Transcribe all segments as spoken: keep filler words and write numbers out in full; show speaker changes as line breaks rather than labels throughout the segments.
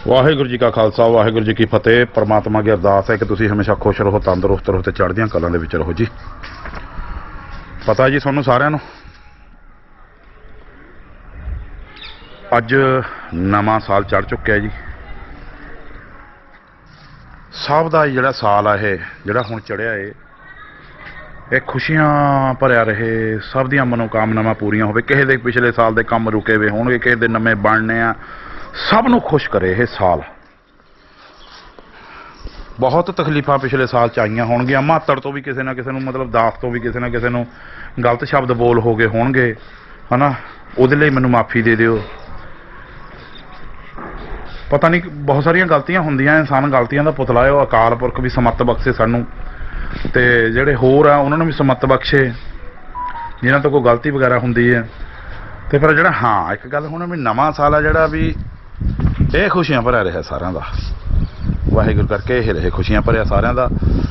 ਵਾਹਿਗੁਰੂ ਜੀ ਕਾ ਖਾਲਸਾ ਵਾਹਿਗੁਰੂ ਜੀ ਕੀ ਫਤਿਹ। परमात्मा की अरदास है कि तुसीं हमेशा खुश रहो, तंदुरुस्त रहो ते चढ़दियां कलां दे विच रहो जी। पता जी तुहानूं सारिआं नूं अज नवां साल चढ़ चुक्या जी। सब दा जिहड़ा साल है जिहड़ा हुण चढ़िया है ये खुशियां भरिया रहे, सब दियां मनोकामनावां पूरीआं होवे। किसी दे पिछले साल दे काम रुके हुए होणगे, किसी दे नवें बनने आ, सब नूं खुश करे ये साल। बहुत तकलीफां पिछले साल च आईयां होणगियां, मातड़ तो भी किसी ना किसी नूं, मतलब दास तो भी किसी ना किसी नूं गलत शब्द बोल हो गए होणगे, है ना। उहदे लई मैनूं माफ़ी दे दिओ। पता नहीं बहुत सारियां गलतियां हुंदियां, इंसान गलतियां दा पुतला है। अकाल पुरख भी समत बख्शे सानूं, ते जिहड़े होर आ उन्हां नूं भी समत बख्शे जिन्हां तो कोई गलती वगैरह हुंदी है। ते फिर जिहड़ा हाँ एक गल हुण भी नवां साल आ जिहड़ा भी ये खुशियां भरिया रहा सारिआं दा। वाहिगुरू करके ये रहे खुशियां भरिया सारिआं दा।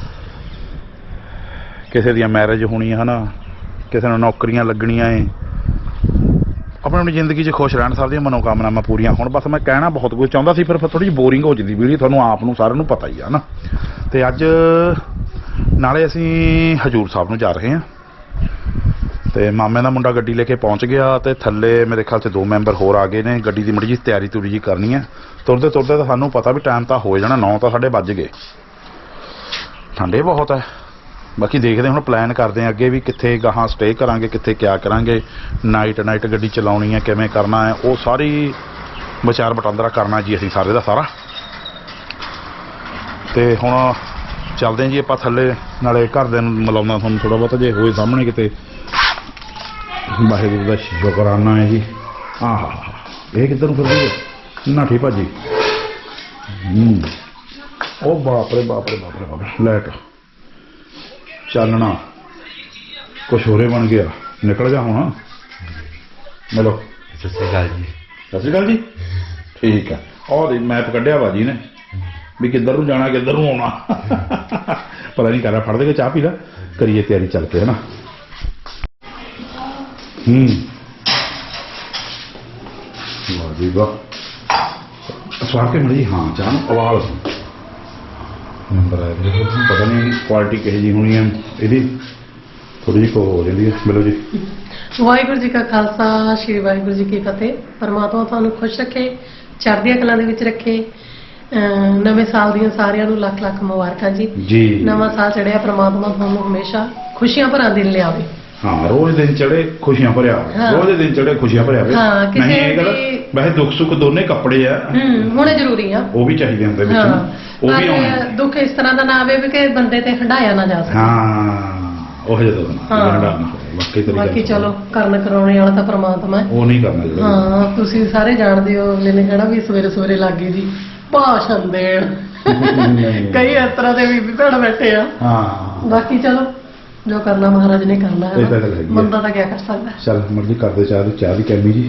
किसी दी मैरिज होनी है ना, किसी नूं नौकरियां लगणियां है, अपनी अपनी जिंदगी च खुश रहन, सब दी मनोकामनावां पूरीआं होण। बस मैं कहना बहुत कुछ चाहुंदा सी, फिर थोड़ी जी बोरिंग हो जांदी वीडियो, तुहानूं आप नूं सारिआं नूं पता ही है ना। ते अज नाले असीं हजूर साहब नूं जा रहे हैं, ते मामे दा मुंडा गड्डी लेके पहुंच गया, ते थल्ले मेरे ख्याल से दो मैंबर होर आ गए ने। गड्डी की मड़ी जी तैयारी तुरी जी करनी है। तुरते तुरते तो सानूं पता भी टाइम तो हो जाना, नौ तो साढ़े बज गए। ठंडे बहुत है, बाकी देखते हुण प्लैन करते हैं अगे भी कित्थे गाहां स्टे करांगे, कित्थे क्या करांगे, नाइट नाइट गड्डी चलाउणी है, किवें करना है, वो सारी विचार वटांदरा करना जी असीं सारे दा सारा। ते हुण चलते हैं जी आपां थल्ले, नाले घरदिआं नूं मिलाउणा तुहानूं थोड़ा बहुत जे होए सामने किते। वाहिगुरू का शुकराना है जी। हाँ हाँ हाँ ये किधर फिर रही है नाठी भाजी। ओ बाप रे बाप रे बाप रे बाप रे, लाइट चालना कुछ होरे बन गया, निकल जा हूँ। मिलो सत श्री अकाल जी। सत श्री अकाल जी। ठीक है, और मैप कढ़िया भाजी ने भी किधर नूं जाना किधर नूं आउणा पता नहीं कर रहा। फड़ दे के चाह पी ला, करिए तैयारी चल के, है ना। हम्म वाह जी वाह, स्वाद के मरी। हाँ चाह उबाल नंबर आया, पता नहीं क्वालिटी किहो जी होनी है यदी, थोड़ी जी को हो जाती है। मिलो जी।
वाहिगुरू जी का खालसा, श्री वाहिगुरू जी की फतेह। परमात्मा तुहानूं खुश रखे, चढ़दियां कलां दे विच रखे। नवें साल दियां सारिआं नूं लख लख मुबारकां जी। जी नवां साल चढ़िया, परमात्मा तुहानूं हमेशा खुशियां भरा दिन लियावे। हाँ
रोज दिन चढ़े खुशियां भरिया, हाँ। रोज दिन चढ़े खुशियां भरिया।
हाँ,
नहीं ये गल वैसे दुख सुख दोने कपड़े आ
होने जरूरी आ, वो
भी चाहिए होंदे विच, वो भी होने।
दुख इस तरह दा ना आवे कि बंदे ते हंडाया ना जा सके।
हाँ ओह जदों ना हंडाना बाकी तरीका।
बाकी चलो करन कराउने वाला तां परमात्मा है, वो
नहीं करना जरूरी।
हाँ तुसीं सारे जाणदे हो, अगले ने कहना भी सवेरे सवेरे लागे जी भाषण देण कई इस तरह दे भी भैण बैठे आ। हाँ बाकी चलो जो करना महाराज ने करना है, बंदा तो क्या कर सकता है।
चल मर्जी कर दे चाह चाह दी कैमी जी।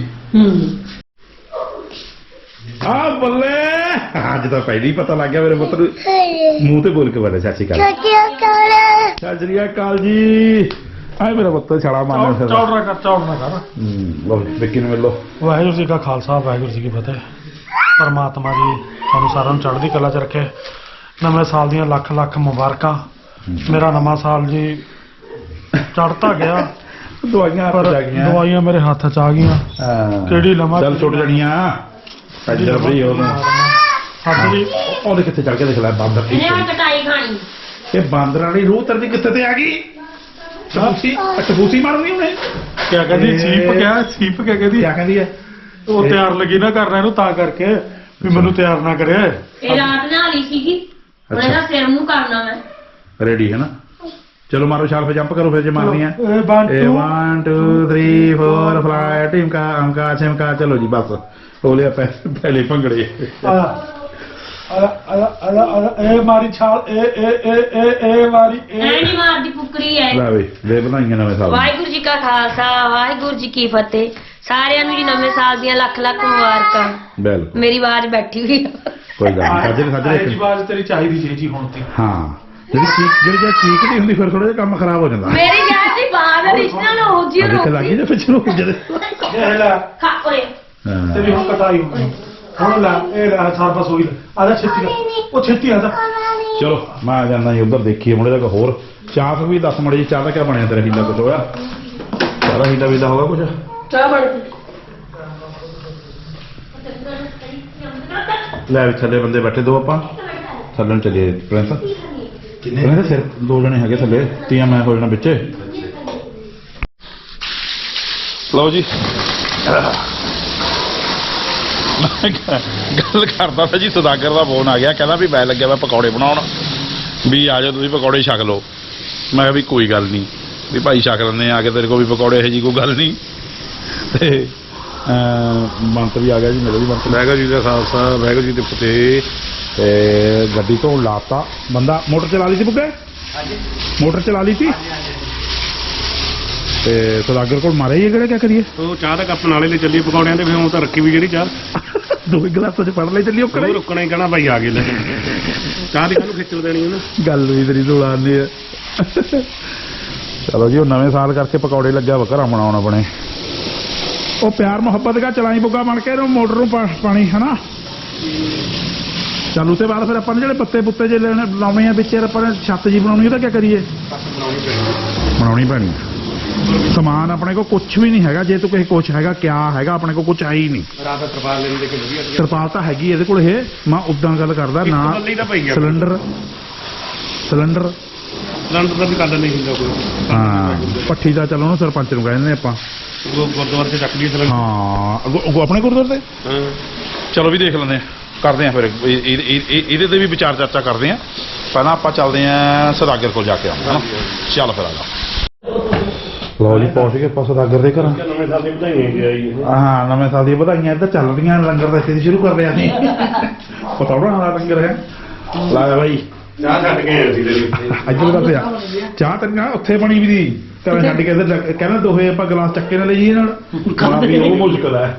हाँ बल्ले अज तो पहले ही पता लग गया मेरे पुत्र मुंह ते बोल के बोले सत श्री अकाल। सत श्री अकाल जी। आए मेरा पुत्र छड़ा मारना
चौड़ना कर चौड़ना कर।
लो विक्की नूं मिलो।
वाहिगुरू जी का खालसा वाहिगुरू जी की फतेह। परमात्मा जी तुहानूं सारिआं नूं चढ़दी कला च रखे, नवें साल दियां लख लख मुबारकां। मेरा नवां साल जी चढ़ता गया,
दवाइयां
पर दवाइयां मेरे हाथ च आ गईयां, किहड़ी लवां
चल छुट जणियां इधर भी हो ना। हां जी ओदे किथे चढ़ के देख ले बांदर,
इन्हें कटाई खानी
ये बांदर वाली रूह तरदी किथे ते आ गई। टपूसी टपूसी मारनी उन्हें
क्या कहदी सीप, क्या सीप क्या कहदी,
क्या कहदी है
वो तैयार लगी ना करना इहनूं तां करके भी मैनूं तैयार ना करे।
ए रात नाली सीगी, हुण इहदा सिर मूंह करना मैं
रेडी है ना। चलो मारो छाल पे जंप करो फिर जो मारनी है। One two three four fly team का अंका चिमका। चलो जी बस हो लिया पहले भंगड़े।
ए मारी छाल ए ए ए ए ए मारी ए
नहीं मारदी फुकरी है।
ला वे वे बनाईयां नवें साल।
वाहिगुरू जी का खालसा वाहिगुरू जी की फतेह। सारिआं नूं जी नवें साल दियां लख लख मुबारकां। बिल्कुल मेरी आवाज बैठी हुई है,
कोई गल नहीं। साजरे साजरे
जी आवाज तेरी चाहिदी जी जी हुण ती।
हां ਜਿਹੜੀ ਚੀਕ ਜਿਹੜੀ ਜੇ ਚੀਕ ਨਹੀਂ ਹੁੰਦੀ ਫਿਰ ਥੋੜਾ ਜਿਹਾ ਕੰਮ ਖਰਾਬ ਹੋ ਜਾਂਦਾ।
ਮੇਰੀ ਜਾਨ ਦੀ ਬਾਤ ਰਿਸ਼ਨਲ ਹੋ ਜੀ ਰੋ
ਲੱਗੀ ਜੇ ਪਿੱਛੇ ਨੂੰ ਜਦੇ
ਇਹ ਲੈ
ਖਾ ਓਏ
ਤੇਰੀ ਹੁਣ ਕਟਾਈ ਹੋਣੀ। ਹੁਣ ਲੈ ਇਹ ਲੈ ਸਾਰ ਬਸ ਹੋਈ ਆ ਜਾ ਛੇਤੀ ਕਰ ਉਹ ਛੇਤੀ ਆ ਜਾ
ਚਲੋ ਮੈਂ ਜਾਂਦਾ ਜੀ ਉਧਰ ਦੇਖੀਏ ਮੁੰਡੇ ਦਾ ਕੋਈ ਹੋਰ ਚਾਹ ਵੀ ਦੱਸ ਮੜੀ ਜੀ ਚਾਹ ਦਾ ਕਿਆ ਬਣਿਆ ਤੇਰਾ ਹੀਲਾ ਕੁਝ ਹੋਇਆ ਚਾਹ ਦਾ ਹੀਲਾ ਵੀਲਾ ਹੋਗਾ ਕੁਝ
ਚਾਹ ਬਣ
ਲੈ ਵੀ ਥੱਲੇ ਬੰਦੇ ਬੈਠੇ ਦੋ ਆਪਾਂ ਥੱਲੇ ਨੂੰ ਚੱਲੀਏ ਪ੍ਰਿੰਸ ਕਿੰਨੇ ਸਿਰ ਦੋ ਜਣੇ ਹੈਗੇ ਥੱਲੇ ਤੀਆਂ ਮੈਂ ਹੋ ਜਾਣਾ ਵਿੱਚ ਲਓ ਜੀ ਗੱਲ ਕਰਦਾ ਤਾਂ ਜੀ ਸੁਦਾਗਰ ਦਾ ਫੋਨ ਆ ਗਿਆ ਕਹਿੰਦਾ ਵੀ ਮੈਂ ਲੱਗਿਆ ਮੈਂ ਪਕੌੜੇ ਬਣਾਉਣ ਵੀ ਆ ਜਾਓ ਤੁਸੀਂ ਪਕੌੜੇ ਛਕ ਲਓ ਮੈਂ ਕਿਹਾ ਵੀ ਕੋਈ ਗੱਲ ਨਹੀਂ ਵੀ ਭਾਈ ਛਕ ਲੈਂਦੇ ਆ ਕੇ ਤੇਰੇ ਕੋਲ ਵੀ ਪਕੌੜੇ ਇਹੋ ਜੀ ਕੋਈ ਗੱਲ ਨਹੀਂ ਤੇ ਮੰਤ ਵੀ ਆ ਗਿਆ ਜੀ ਮੇਰੇ ਵੀ ਮੰਤ ਵਾਹਿਗੁਰੂ ਜੀ ਦਾ ਖਾਲਸਾ ਵਾਹਿਗੁਰੂ ਜੀ ਦੇ ਫਤਿਹ ਤੇ ਗੱਡੀ ਤੋਂ ਲਾਤਾ ਬੰਦਾ ਮੋਟਰ ਚਲਾ ਲਈ ਸੀ ਬੁੱਗੇ ਹਾਂਜੀ ਮੋਟਰ ਚਲਾ ਲਈ ਸੀ ਤੇ ਸੁਦਾਗਰ ਕੋਲ ਮਾਰੇ ਹੀ ਕਿਹੜੇ ਕਿਆ ਕਰੀਏ
ਉਹ ਚਾਹ ਦਾ ਕੱਪ ਨਾਲੇ ਲੈ ਚੱਲੀਏ ਪਕੌੜਿਆਂ ਤੇ ਫਿਰ ਉਹ ਤਾਂ ਰੱਖੀ ਵੀ ਜਿਹੜੀ ਚਾਹ
ਦੋ ਗਲਾਸਾਂ ਚ ਫੜ ਲਈ ਚੱਲੀ ਉਹ
ਉਹ ਰੁਕਣਾ ਹੀ ਕਹਿਣਾ ਭਾਈ ਆ ਗਏ ਲੈ ਚਾਹ ਦੀ ਕਾਹਨੂੰ ਖਿੱਚਲ ਦੇਣੀ ਉਹਨੇ
ਗੱਲ ਵੀ ਤੇਰੀ ਦੋਲਾਉਂਦੇ ਆ ਚਲੋ ਜੀ ਉਹ ਨਵੇਂ ਸਾਲ ਕਰਕੇ ਪਕੌੜੇ ਲੱਗਿਆ ਵਾ ਘਰਾਂ ਬਣਾਉਣ ਆਪਣੇ ਉਹ ਪਿਆਰ ਮੁਹੱਬਤ ਦਾ ਚਲਾਈ ਬੁੱਗਾ ਬਣ ਕੇ ਇਹਨੂੰ ਮੋਟਰ ਨੂੰ ਪਾਣੀ ਹਨਾ ਚੱਲ ਉਸੇ ਬਾਅਦ ਫਿਰ ਆਪਾਂ ਨੇ ਜਿਹੜੇ ਪੱਤੇ ਪੁੱਤੇ ਜੇ ਲੈਣੇ ਲਾਉਣੇ ਆ ਵਿੱਚ ਆਪਾਂ ਨੇ ਛੱਤ ਜੀ ਬਣਾਉਣੀ ਉਹਦਾ ਕੀ ਕਰੀਏ ਬਣਾਉਣੀ ਪੈਣੀ ਸਮਾਨ ਆਪਣੇ ਕੋਲ ਕੁਝ ਵੀ ਨਹੀਂ ਹੈਗਾ ਜੇ ਤੂੰ ਕਿਸੇ ਕੁਝ ਹੈਗਾ ਕਿਆ ਹੈਗਾ ਆਪਣੇ ਕੋਲ ਕੁਝ ਹੈ ਹੀ ਨਹੀਂ
ਰਾਤ ਤਰਪਾਲ ਲੈਣ ਦੇ ਕੇ ਵਧੀਆ
ਤਰਪਾਲ ਤਾਂ ਹੈਗੀ ਇਹਦੇ ਕੋਲ ਇਹ ਮੈਂ ਉਦਾਂ ਗੱਲ ਕਰਦਾ ਨਾ ਸਿਲੰਡਰ ਸਿਲੰਡਰ
ਸਿਲੰਡਰ ਦਾ ਵੀ ਕੱਢ ਨਹੀਂ ਹੁੰਦਾ ਕੋਈ
ਹਾਂ ਪੱਠੀ ਦਾ ਚਲੋ ਨਾ ਸਰਪੰਚ ਨੂੰ ਕਹਿੰਦੇ ਨੇ ਆਪਾਂ
ਉਹ ਗੁਰਦੁਆਰੇ ਤੇ ਚੱਕ ਲਈ ਸਿਲੰਡਰ
ਹਾਂ ਅੱਗੋਂ ਆਪਣੇ ਗੁਰਦੁਆਰੇ ਤੇ
ਹਾਂ ਚਲੋ ਵੀ ਦੇਖ ਲੈਂਦੇ ਆ ਕਰਦੇ ਆ ਫਿਰ ਇਹਦੇ ਤੇ ਵੀ ਵਿਚਾਰ ਚਰਚਾ ਕਰਦੇ ਆ ਪਹਿਲਾਂ ਆਪਾਂ ਚੱਲਦੇ ਆ ਸੁਦਾਗਰ ਕੋਲ ਜਾ ਕੇ ਆਉਂਦੇ ਚੱਲ ਫਿਰ ਆ ਜਾ
ਲਓ ਜੀ ਪਹੁੰਚ ਗਏ ਆਪਾਂ ਸੁਦਾਗਰ ਦੇ ਘਰ
ਨਵੇਂ ਸਾਲ ਦੀ ਵਧਾਈਆਂ ਜੀ ਆਈ
ਹਾਂ ਨਵੇਂ ਸਾਲ ਦੀਆਂ ਵਧਾਈਆਂ ਇੱਧਰ ਚੱਲ ਰਹੀਆਂ ਲੰਗਰ ਦਾ ਇੱਥੇ ਸ਼ੁਰੂ ਕਰ ਰਿਹਾ ਸੀ ਪਤੌੜਾ ਵਾਲਾ ਲੰਗਰ ਹੈ ਲਾ ਬਾਈ
ਚਾਹ ਛੱਡ ਕੇ ਆਏ ਸੀ ਤੇਰੀ
ਇੱਧਰ ਦਾ ਪਿਆ ਚਾਹ ਤੇਰੀ ਨਾਲ ਉੱਥੇ ਬਣੀ ਵੀ ਦੀ ਘਰ ਛੱਡ ਕੇ ਇੱਧਰ ਕਹਿੰਦਾ ਦੋਹੇ ਆਪਾਂ ਗਲਾਸ ਚੱਕੇ ਨਾਲ ਲਈਏ ਨਾਲ ਖਾਣਾ ਵੀ ਉਹ ਮੁਸ਼ਕਲ ਹੈ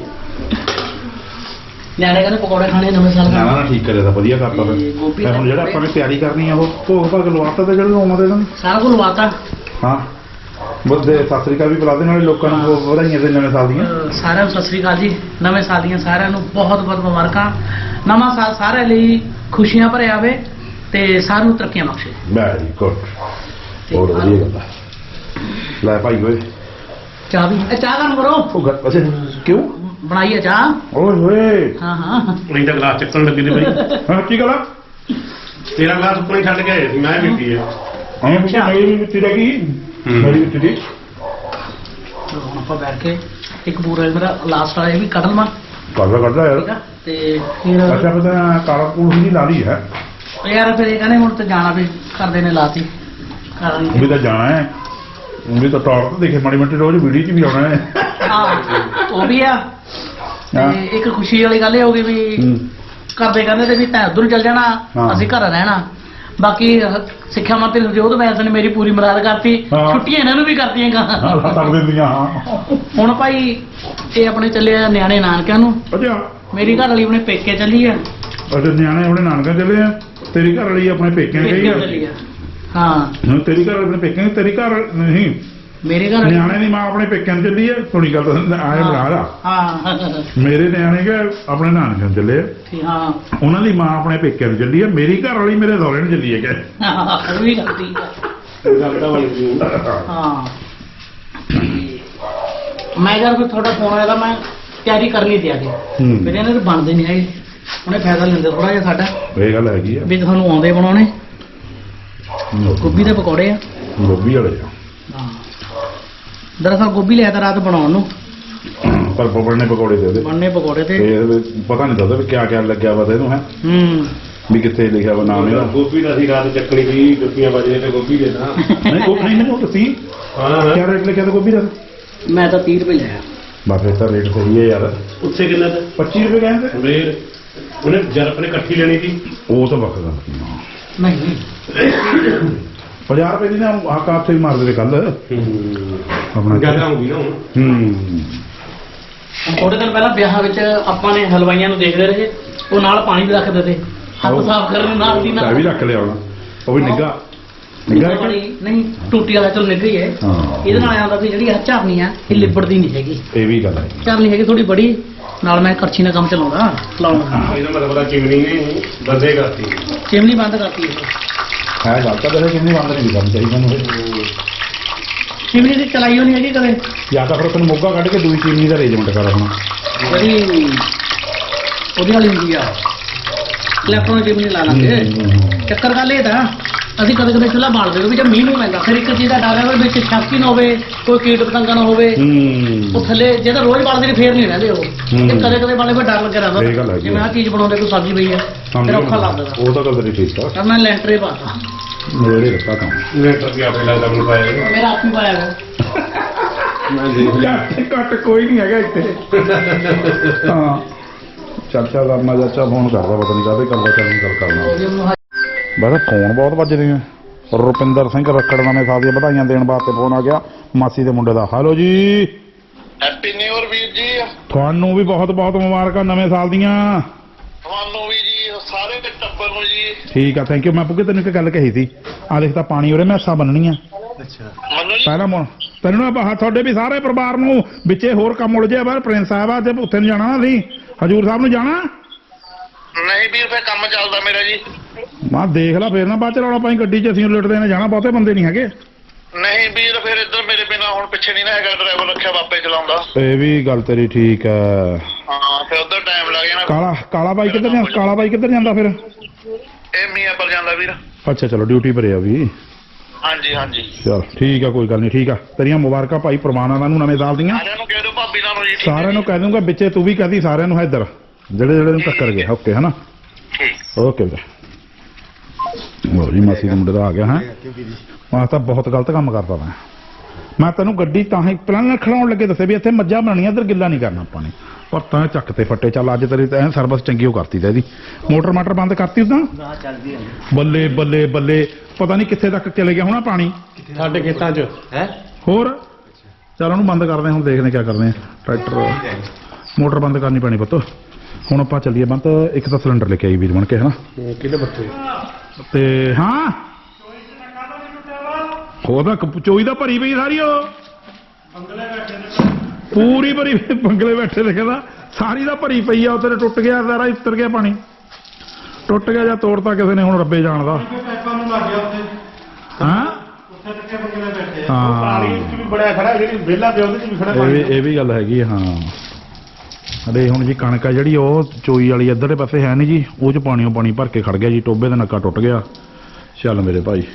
ਨਿਆਣੇ ਕਹਿੰਦੇ ਪਕੌੜੇ ਖਾਣੇ ਨਵੇਂ ਸਾਲ
ਨਾ ਨਾ ਠੀਕ ਕਰਿਆ ਤਾਂ ਵਧੀਆ ਕਰਤਾ ਫਿਰ ਹੁਣ ਜਿਹੜਾ ਆਪਾਂ ਨੇ ਤਿਆਰੀ ਕਰਨੀ ਆ ਉਹ ਭੋਗ ਭਾਗ ਲਵਾਤਾ ਤੇ ਜਿਹੜੇ ਲੋਮਾਂ ਦੇ ਨਾਲ
ਸਾਰਾ ਕੁਝ ਲਵਾਤਾ
ਹਾਂ ਬੁੱਧੇ ਸਤਿ ਸ੍ਰੀ ਅਕਾਲ ਵੀ ਬੁਲਾ ਦੇ ਨਾਲੇ ਲੋਕਾਂ ਨੂੰ ਵਧਾਈਆਂ ਦੇ ਨਵੇਂ ਸਾਲ ਦੀਆਂ
ਸਾਰਿਆਂ ਨੂੰ ਸਤਿ ਸ੍ਰੀ ਅਕਾਲ ਜੀ ਨਵੇਂ ਸਾਲ ਦੀਆਂ ਸਾਰਿਆਂ ਨੂੰ ਬਹੁਤ ਬਹੁਤ ਮੁਬਾਰਕਾਂ ਨਵਾਂ ਸਾਲ ਸਾਰਿਆਂ ਲਈ ਖੁਸ਼ੀਆਂ ਭਰਿਆ ਆਵੇ ਤੇ ਸਾਰਿਆਂ ਨੂੰ ਤਰੱਕੀਆਂ ਬਖਸ਼ੇ
ਵੈਰੀ ਗੁੱਡ ਬਹੁਤ ਵਧੀਆ ਗੱਲ ਹੈ ਲੈ ਭਾਈ ਓਏ
ਚਾਹ ਵੀ ਇਹ ਚਾਹ ਕਰਨ ਕਰੋ
ਉਹ ਗੱਲ ਅੱਛਾ ਕਿਉਂ
ਬਣਾਈਏ ਚਾਹ
ਓਏ ਹੋਏ
ਹਾਂ ਹਾਂ
ਨਹੀਂ ਤਾਂ ਗਲਾਸ ਚੱਕਣ ਲੱਗੇ ਨੇ ਬਈ
ਹਾਂ ਕੀ ਗੱਲ ਆ
ਤੇਰਾ ਗਲਾਸ ਉੱਪਰ ਹੀ ਛੱਡ ਕੇ ਆਏ ਸੀ ਮੈਂ ਵੀ ਪੀਏ
ਹਾਂ ਪੁੱਛਿਆ ਮੇਰੀ ਵੀ ਮਿੱਟੀ ਰਹਿ ਗਈ ਮੇਰੀ ਮਿੱਟੀ ਦੀ
ਹੁਣ ਆਪਾਂ ਬੈਠ ਕੇ ਇੱਕ ਪੂਰਾ ਮੇਰਾ ਲਾਸਟ ਵਾਲਾ ਇਹ ਵੀ ਕੱਢ ਲਵਾਂ
ਕਰਦਾ ਕਰਦਾ ਯਾਰ
ਠੀਕ ਆ ਤੇ ਫਿਰ
ਅੱਛਾ ਪਤਾ ਕਾਲਾ ਕੂਲ ਹੀ ਲਾ ਲਈ ਹੈ
ਯਾਰ ਫਿਰ ਇਹ ਕਹਿੰਦੇ ਹੁਣ ਤੇ ਜਾਣਾ ਵੀ ਕਰਦੇ ਨੇ ਲਾਤੀ ਕਰਨ
ਵੀ ਤਾਂ ਜਾਣਾ ਹੈ ਵੀ ਤਾਂ ਟੌਪ ਤੇ ਦੇਖੇ ਮਾੜੀ ਮੋਟੀ ਰੋਜ਼ ਵੀਡੀਓ 'ਚ ਵੀ ਆਉਣਾ ਹੈ
ਹਾਂ ਉਹ ਵੀ ਆ ਤੇ ਇੱਕ ਖੁਸ਼ੀ ਵਾਲੀ ਗੱਲ ਇਹ ਹੋ ਗਈ ਵੀ ਕਰਦੇ ਕਹਿੰਦੇ ਤੇ ਵੀ ਤੈਂ ਉੱਧਰ ਨੂੰ ਚੱਲ ਜਾਣਾ ਅਸੀਂ ਘਰ ਰਹਿਣਾ ਬਾਕੀ ਸਿੱਖਿਆ ਮੰਤਰੀ ਹਰਜੋਤ ਬੈਂਸ ਨੇ ਮੇਰੀ ਪੂਰੀ ਮਦਦ ਕਰਤੀ ਛੁੱਟੀਆਂ ਇਹਨਾਂ ਨੂੰ ਵੀ ਕਰਤੀਆਂ ਗਾ
ਤੱਕ ਦਿੰਦੀਆਂ ਹਾਂ
ਹੁਣ ਭਾਈ ਇਹ ਆਪਣੇ ਚੱਲੇ ਆ ਨਿਆਣੇ ਨਾਨਕਿਆਂ ਨੂੰ
ਅੱਛਾ
ਮੇਰੀ ਘਰ ਵਾਲੀ ਆਪਣੇ ਪੇਕੇ ਚੱਲੀ ਆ
ਅੱਛਾ ਨਿਆਣੇ ਆਪਣੇ ਨਾਨਕਾ ਚੱਲੇ ਆ ਤੇਰੀ ਘਰ ਵਾਲੀ ਆਪਣੇ ਪੇਕਿਆਂ ਗਈ ਆ
ਚੱਲੀ ਆ ਹਾਂ
ਹੁਣ ਤੇਰੀ ਘਰ ਆਪਣੇ ਪੇਕਿਆਂ ਤੇਰੀ ਘਰ ਨਹੀਂ
ਮੇਰੇ ਘਰ
ਨਿਆਣੇ ਦੀ ਮਾਂ ਆਪਣੇ ਪੇਕਿਆਂ ਨੂੰ ਚੱਲੀ ਆ ਥੋੜੀ ਗੱਲ ਤਾਂ ਆਏ ਬਣਾ ਲਾ
ਹਾਂ
ਮੇਰੇ ਨਿਆਣੇ ਕੇ ਆਪਣੇ ਨਾਨਕਿਆਂ ਨੂੰ ਚੱਲੇ ਆ
ਠੀਕ ਹਾਂ
ਉਹਨਾਂ ਦੀ ਮਾਂ ਆਪਣੇ ਪੇਕਿਆਂ ਨੂੰ ਚੱਲੀ ਆ ਮੇਰੀ ਘਰ ਵਾਲੀ ਮੇਰੇ ਦੌਰੇ ਨੂੰ ਚੱਲੀ ਹੈ ਕਿ
ਉਹ ਵੀ ਗੱਲ ਠੀਕ ਆ
ਗੱਲ ਤਾਂ ਬਣ ਗਈ
ਹਾਂ ਮੈਂ ਜਦ ਕੋਈ ਤੁਹਾਡਾ ਫੋਨ ਆਇਆ ਤਾਂ ਮੈਂ ਤਿਆਰੀ ਕਰਨੀ ਤੇ ਆ ਕੇ ਮੇਰੇ ਇਹਨਾਂ ਦੇ ਬਣਦੇ ਨਹੀਂ ਹੈਗੇ ਉਹਨੇ ਫਾਇਦਾ ਲੈਂਦੇ ਥੋੜਾ ਜਿਹਾ ਸਾਡਾ
ਇਹ ਗੱਲ ਹੈਗੀ ਆ
ਵੀ ਤੁਹਾਨੂੰ ਆਉਂਦੇ ਬਣਾਉਣੇ ਗੋਭੀ ਦੇ ਪਕੌੜੇ ਆ
ਗੋਭੀ ਵਾਲੇ ਆ
ਹਾਂ ਦਰਅਸਲ ਗੋਭੀ ਲਿਆ ਤਾਂ ਰਾਤ ਬਣਾਉਣ ਨੂੰ
ਪਰ ਬਣਨੇ ਪਕੌੜੇ ਦੇ ਉਹਦੇ
ਬਣਨੇ ਪਕੌੜੇ ਤੇ
ਤੇ ਪਤਾ ਨਹੀਂ ਦੱਸਦਾ ਵੀ ਕਿਆ ਕਿਆ ਲੱਗਿਆ ਵਾ ਤੈਨੂੰ ਹੈ
ਹੂੰ
ਵੀ ਕਿੱਥੇ ਲਿਖਿਆ ਵਾ ਨਾਮ ਇਹਦਾ
ਗੋਭੀ ਦਾ ਸੀ ਰਾਤ ਚੱਕਣੀ ਸੀ ਗੱਪੀਆਂ ਵੱਜਦੇ ਤੇ ਗੋਭੀ ਦੇ ਨਾ
ਨਹੀਂ ਉਹ ਨਹੀਂ ਮੈਨੂੰ ਦੱਸੀ
ਹਾਂ
ਕਿਆ ਰੇਟ ਲਿਖਿਆ ਤਾਂ ਗੋਭੀ ਦਾ
ਮੈਂ ਤਾਂ ਤੀਹ ਰੁਪਏ ਲਿਆ
ਬਸ ਫਿਰ ਤਾਂ ਰੇਟ ਸਹੀ ਹੈ ਯਾਰ
ਉੱਥੇ ਕਿੰਨਾ ਦਾ
ਪੱਚੀ ਰੁਪਏ ਕਹਿੰਦੇ
ਫੇਰ ਉਹਨੇ ਜਦ ਆਪਣੇ ਇਕੱਠੀ ਲੈਣੀ ਸੀ
ਉਹ ਤਾਂ ਵੱਖ ਗੱਲ
ਨਹੀਂ
ਪੰਜਾਹ ਰੁਪਏ ਦੀ ਨਾ ਆਹ ਕਾਪ ਤੇ ਮਾਰਦੇ ਨੇ ਕੱਲ ਆਪਣਾ
ਜ਼ਿਆਦਾ ਹੋ ਗਈ ਨਾ ਹੁਣ
ਹੂੰ
ਥੋੜੇ ਦਿਨ ਪਹਿਲਾਂ ਵਿਆਹ ਵਿੱਚ ਆਪਾਂ ਨੇ ਹਲਵਾਈਆਂ ਨੂੰ ਦੇਖਦੇ ਰਹੇ ਉਹ ਨਾਲ ਪਾਣੀ ਵੀ ਰੱਖਦੇ ਤੇ ਹੱਥ ਸਾਫ਼ ਕਰਨ ਨੂੰ ਨਾਲ ਦੀ
ਚਾਹ
ਨਾਲ
ਵੀ ਰੱਖ ਲਿਆ ਹੋਣਾ ਉਹ ਵੀ ਨਿੱਘਾ ਨਿੱਘਾ
ਨਿੱਘਾ ਪਾਣੀ ਨਹੀਂ, ਟੂਟੀ ਵਾਲਾ ਚਲ ਨਿੱਘਾ ਹੀ ਹੈ।
ਹਾਂ।
ਇਹਦੇ ਨਾਲ ਆਉਂਦਾ ਵੀ ਜਿਹੜੀ ਆਹ ਝਰਨੀ ਆ ਇਹ ਲਿਬੜਦੀ ਨਹੀਂ ਹੈਗੀ।
ਇਹ ਵੀ ਗੱਲ ਹੈ
ਝਰਨੀ ਹੈਗੀ ਥੋੜੀ ਬੜੀ, ਨਾਲ ਮੈਂ ਕਰਛੀ ਨਾਲ ਕੰਮ ਚਲਾਉਂਦਾ ਲਾਉਣਾ।
ਇਹਦਾ ਮਤਲਬ ਆ ਚਿਮਨੀ ਨੇ ਬੰਦੇ ਕਰਤੀ।
ਚਿਮਨੀ ਬੰਦ ਕਰਤੀ ਇਹ।
ਹੈ ਗੱਲ ਤਾਂ ਵੈਸੇ ਕਿੰਨੀ ਬੰਦ ਨਹੀਂ ਕਰਨੀ ਚਾਹੀਦੀ ਮੈਨੂੰ ਇਹ।
ਚਿਮਨੀ ਦੀ ਚਲਾਈ ਹੋਣੀ ਹੈਗੀ ਕਦੇ।
ਜਾਂ ਤਾਂ ਫਿਰ ਤੈਨੂੰ ਮੋਗਾ ਕੱਢ ਕੇ ਦੂਜੀ ਚੀਨੀ ਦਾ ਅਰੇਂਜਮੈਂਟ ਕਰ ਹੁਣ।
ਜਿਹੜੀ ਉਹਦੀ ਵਾਲੀ ਹੁੰਦੀ ਆ ਇਲੈਕਟ੍ਰੋਨਿਕ ਚਿਮਨੀ ਲਾ ਲਾਂਗੇ। ਚੱਕਰ ਗੱਲ ਇਹ ਤਾਂ ਅਸੀਂ ਕਦੇ ਕਦੇ ਚੁੱਲ੍ਹਾ ਬਾਲਦੇ ਹਾਂ ਵੀ ਜੇ ਮੀਂਹ ਨੂੰ ਪੈਂਦਾ ਫਿਰ ਇੱਕ ਚੀਜ਼ ਦਾ ਡਰ ਹੈ ਵੀ ਵਿੱਚ ਛਾਕੀ ਨਾ ਹੋਵੇ, ਕੋਈ ਕੀਟ ਪਤੰਗਾ ਨਾ ਹੋਵੇ।
ਹੂੰ
ਉਹ ਥੱਲੇ ਜੇ ਤਾਂ ਰੋਜ਼ ਬਾਲਦੇ ਨੇ ਫੇਰ ਨਹੀਂ ਰਹਿੰਦੇ ਉਹ। ਤੇ ਕਦੇ ਕਦੇ ਬਾਲੇ ਫਿਰ ਡਰ ਲੱਗਿਆ
ਇਹ ਗੱਲ
ਰਹਿੰਦਾ
ਹੈਗੀ
ਜਿਵੇਂ ਆਹ ਚੀਜ਼ ਬਣਾਉਂਦੇ ਕੋਈ ਸਬਜ਼ੀ ਪਈ ਹੈ ਫਿਰ ਔਖਾ ਲੱਗਦਾ।
ਉਹ ਤਾਂ ਗੱਲ ਤੇਰੀ ਠੀਕ ਆ।
ਤਾਂ ਮੈਂ ਲੈਂਟਰ ਹੀ ਪਾਤਾ।
ਮੇਰੇ ਰੱਖਾ ਕੰਮ
ਲੈਟਰ ਵੀ ਆਪੇ ਲੱਗਦਾ ਮੈਨੂੰ ਪਾਇਆ।
ਮੇਰਾ ਆਪ ਹੀ ਪਾਇਆ ਹੋਇਆ।
ਮੈਂ ਦੇਖ ਲਿਆ।
ਘੱਟ ਕੋਈ ਨਹੀਂ ਹੈਗਾ ਇੱਥੇ। ਹਾਂ ਚਾਚਾ ਕਰਨਾ ਚਾਚਾ ਫੋਨ ਕਰਦਾ ਪਤਾ ਨਹੀਂ ਕਾਹਦੇ ਕਰਦਾ ਚੱਲ ਗੱਲ ਕਰਨਾ।
ਉਹਦੇ ਨੂੰ ਹ-
ਬਸ ਫੋਨ ਬਹੁਤ ਵੱਜਦੇ ਆ। ਰੁਪਿੰਦਰ ਸਿੰਘ ਰੱਖੜ ਨਵੇਂ ਸਾਲ ਦੀਆਂ ਵਧਾਈਆਂ ਦੇਣ ਵਾਸਤੇ ਫੋਨ ਆ ਗਿਆ ਮਾਸੀ ਦੇ ਮੁੰਡੇ ਦਾ। ਹੈਲੋ ਜੀ,
ਹੈਪੀ ਨਿਊ ਇਅਰ ਵੀਰ ਜੀ।
ਤੁਹਾਨੂੰ ਵੀ ਬਹੁਤ ਬਹੁਤ ਮੁਬਾਰਕਾਂ ਨਵੇਂ ਸਾਲ ਦੀਆਂ।
ਤੁਹਾਨੂੰ ਵੀ ਜੀ, ਸਾਰੇ ਦੇ ਟੱਬਰ ਨੂੰ ਜੀ।
ਠੀਕ ਆ, ਥੈਂਕ ਯੂ। ਮੈਂ ਪੁੱਗੇ ਤੈਨੂੰ ਇੱਕ ਗੱਲ ਕਹੀ ਸੀ, ਆ ਦੇਖ ਤਾਂ ਪਾਣੀ ਉਰੇ ਮੈਂ ਹਿੱਸਾ ਬੰਨਣੀ ਆ
ਮੰਨੂ ਜੀ,
ਪਹਿਲਾਂ ਮੋ ਤੈਨੂੰ ਨਾ ਬਾਹਰ ਤੁਹਾਡੇ ਵੀ ਸਾਰੇ ਪਰਿਵਾਰ ਨੂੰ ਵਿੱਚੇ ਹੋਰ ਕੰਮ ਉਲਝਿਆ ਬਾਹਰ ਪ੍ਰਿੰਸ ਸਾਹਿਬ ਆ ਤੇ ਉੱਥੇ ਨੂੰ ਜਾਣਾ ਨਾ ਅਸੀਂ ਹਜੂਰ ਸਾਹਿਬ ਨੂੰ ਜਾਣਾ।
ਨਹੀਂ ਵੀਰ ਫੇ ਕੰਮ ਚੱਲਦਾ ਮੇਰਾ ਜੀ।
ਮੈਂ ਦੇਖ ਲਾ ਫੇਰ ਨਾ ਬਾਅਦ ਚ ਰੌਲਾ ਪਾਈ ਗੱਡੀ 'ਚ ਅਸੀਂ ਲੁੱਟਦੇ ਨੇ ਜਾਣਾ, ਬਹੁਤੇ ਬੰਦੇ ਨਹੀਂ ਹੈਗੇ।
ਨਹੀਂ ਵੀਰ ਫਿਰ ਇੱਧਰ ਮੇਰੇ ਬਿਨਾ ਹੁਣ ਪਿੱਛੇ ਨਹੀਂ ਨਾ ਹੈਗਾ, ਡਰਾਈਵਰ ਰੱਖਿਆ ਬਾਪੇ ਚਲਾਉਂਦਾ।
ਇਹ ਵੀ ਗੱਲ ਤੇਰੀ ਠੀਕ ਹੈ।
ਹਾਂ ਫਿਰ ਉਧਰ ਟਾਈਮ ਲੱਗ ਜਾਣਾ।
ਕਾਲਾ ਕਾਲਾ ਬਾਈ ਕਿੱਧਰ ਜਾਂਦਾ? ਕਾਲਾ ਬਾਈ ਕਿੱਧਰ ਜਾਂਦਾ ਫਿਰ?
ਇਹ ਮੀਆਂ ਪਰ ਜਾਂਦਾ ਵੀਰ।
ਅੱਛਾ ਚਲੋ ਡਿਊਟੀ ਭਰੇ ਆ ਵੀ।
ਹਾਂਜੀ ਹਾਂਜੀ,
ਚਲ ਠੀਕ ਆ, ਕੋਈ ਗੱਲ ਨਹੀਂ। ਠੀਕ ਆ, ਤੇਰੀਆਂ ਮੁਬਾਰਕਾਂ ਭਾਈ ਪ੍ਰਵਾਨਾਂ ਨੂੰ ਨਵੇਂ ਸਾਲ ਦੀਆਂ।
ਸਾਰਿਆਂ ਨੂੰ ਕਹਿ ਦਿਓ ਭਾਬੀ ਨਾਲ ਨੂੰ ਜੀ। ਠੀਕ ਹੈ
ਸਾਰਿਆਂ ਨੂੰ ਕਹਿ ਦੂੰਗਾ, ਵਿੱਚੇ ਤੂੰ ਵੀ ਕਹਦੀ ਸਾਰਿਆਂ ਨੂੰ ਇੱਧਰ ਜਿਹੜੇ ਜਿਹੜੇ ਨੂੰ ਟੱਕਰ ਗਏ। ਓਕੇ ਹਨਾ,
ਠੀਕ।
ਓਕੇ ਵੀਰੇ। ਲਓ ਜੀ ਮਾਸੀ ਦੇ ਮੁੰਡੇ ਦਾ ਆ ਗਿਆ ਹੈ। ਮੈਂ ਤਾਂ ਬਹੁਤ ਗਲਤ ਕੰਮ ਕਰਦਾ ਮੈਂ ਮੈਂ ਤੈਨੂੰ ਗੱਡੀ ਤਾਂ ਹੀ ਪਹਿਲਾਂ ਖੜਾਉਣ ਲੱਗੇ ਦੱਸੇ ਵੀ ਇੱਥੇ ਮੱਝਾਂ ਬਣਾਉਣੀਆਂ, ਇੱਧਰ ਗਿੱਲਾ ਨਹੀਂ ਕਰਨਾ ਆਪਾਂ ਨੇ। ਪਰ ਤਾਂ ਚੱਕ ਤੇ ਫੱਟੇ। ਚੱਲ ਅੱਜ ਤੇਰੀ ਤਾਂ ਸਰਵਿਸ ਚੰਗੀ ਉਹ ਕਰਤੀ ਤਾਂ ਇਹਦੀ। ਮੋਟਰ ਮਾਟਰ ਬੰਦ ਕਰਤੀ ਉਦਾਂ। ਬੱਲੇ ਬੱਲੇ ਬੱਲੇ, ਪਤਾ ਨਹੀਂ ਕਿੱਥੇ ਤੱਕ ਚਲੇ ਗਿਆ ਹੋਣਾ ਪਾਣੀ
ਸਾਡੇ ਖੇਤਾਂ 'ਚ ਹੈ।
ਹੋਰ ਚੱਲ ਉਹਨੂੰ ਬੰਦ ਕਰਦੇ ਹਾਂ, ਹੁਣ ਦੇਖਦੇ ਕੀ ਕਰਦੇ ਆ। ਟਰੈਕਟਰ ਮੋਟਰ ਬੰਦ ਕਰਨੀ ਪੈਣੀ ਪੁੱਤ। ਹੁਣ ਆਪਾਂ ਚੱਲੀਏ ਬੰਦ। ਇੱਕ ਤਾਂ ਸਿਲੰਡਰ ਲੈ ਕੇ ਆਈ ਵੀਰ ਬਣ ਕੇ ਹਨਾ।
ਕਿਹਦੇ ਬੱਤੇ?
ਤੇ ਹਾਂ ਉਹਦਾ ਚੋਈ ਦਾ ਭਰੀ ਪਈ ਸਾਰੀ, ਉਹ ਪੂਰੀ ਭਰੀ ਪਈ, ਬੰਗਲੇ ਬੈਠੇ ਤੇ ਕਹਿੰਦਾ ਸਾਰੀ ਦਾ ਭਰੀ ਪਈ ਆ। ਉੱਥੇ ਟੁੱਟ ਗਿਆ ਸਾਰਾ, ਉੱਤਰ ਗਿਆ ਪਾਣੀ, ਟੁੱਟ ਗਿਆ ਜਾਂ ਤੋੜਤਾ ਕਿਸੇ ਨੇ, ਹੁਣ ਰੱਬੇ ਜਾਣਦਾ। ਹਾਂ ਹਾਂ
ਬੜਿਆ ਖੜਾ ਜਿਹੜੀ ਵਿਹਲਾ ਪਿਆ ਉਹਦੇ 'ਚ ਵੀ ਖੜਾ
ਇਹ ਵੀ ਇਹ ਵੀ ਗੱਲ ਹੈਗੀ ਆ, ਹਾਂ। ਅਰੇ ਹੁਣ ਜੀ ਕਣਕ ਆ ਜਿਹੜੀ ਉਹ ਚੋਈ ਵਾਲੀ ਇੱਧਰਲੇ ਪਾਸੇ ਹੈ ਨਹੀਂ ਜੀ, ਉਹ 'ਚ ਪਾਣੀਓ ਪਾਣੀ ਭਰ ਕੇ ਖੜ ਗਿਆ ਜੀ, ਟੋਬੇ ਦਾ ਨੱਕਾ ਟੁੱਟ ਗਿਆ। ਚੱਲ ਮੇਰੇ ਭਾਈ,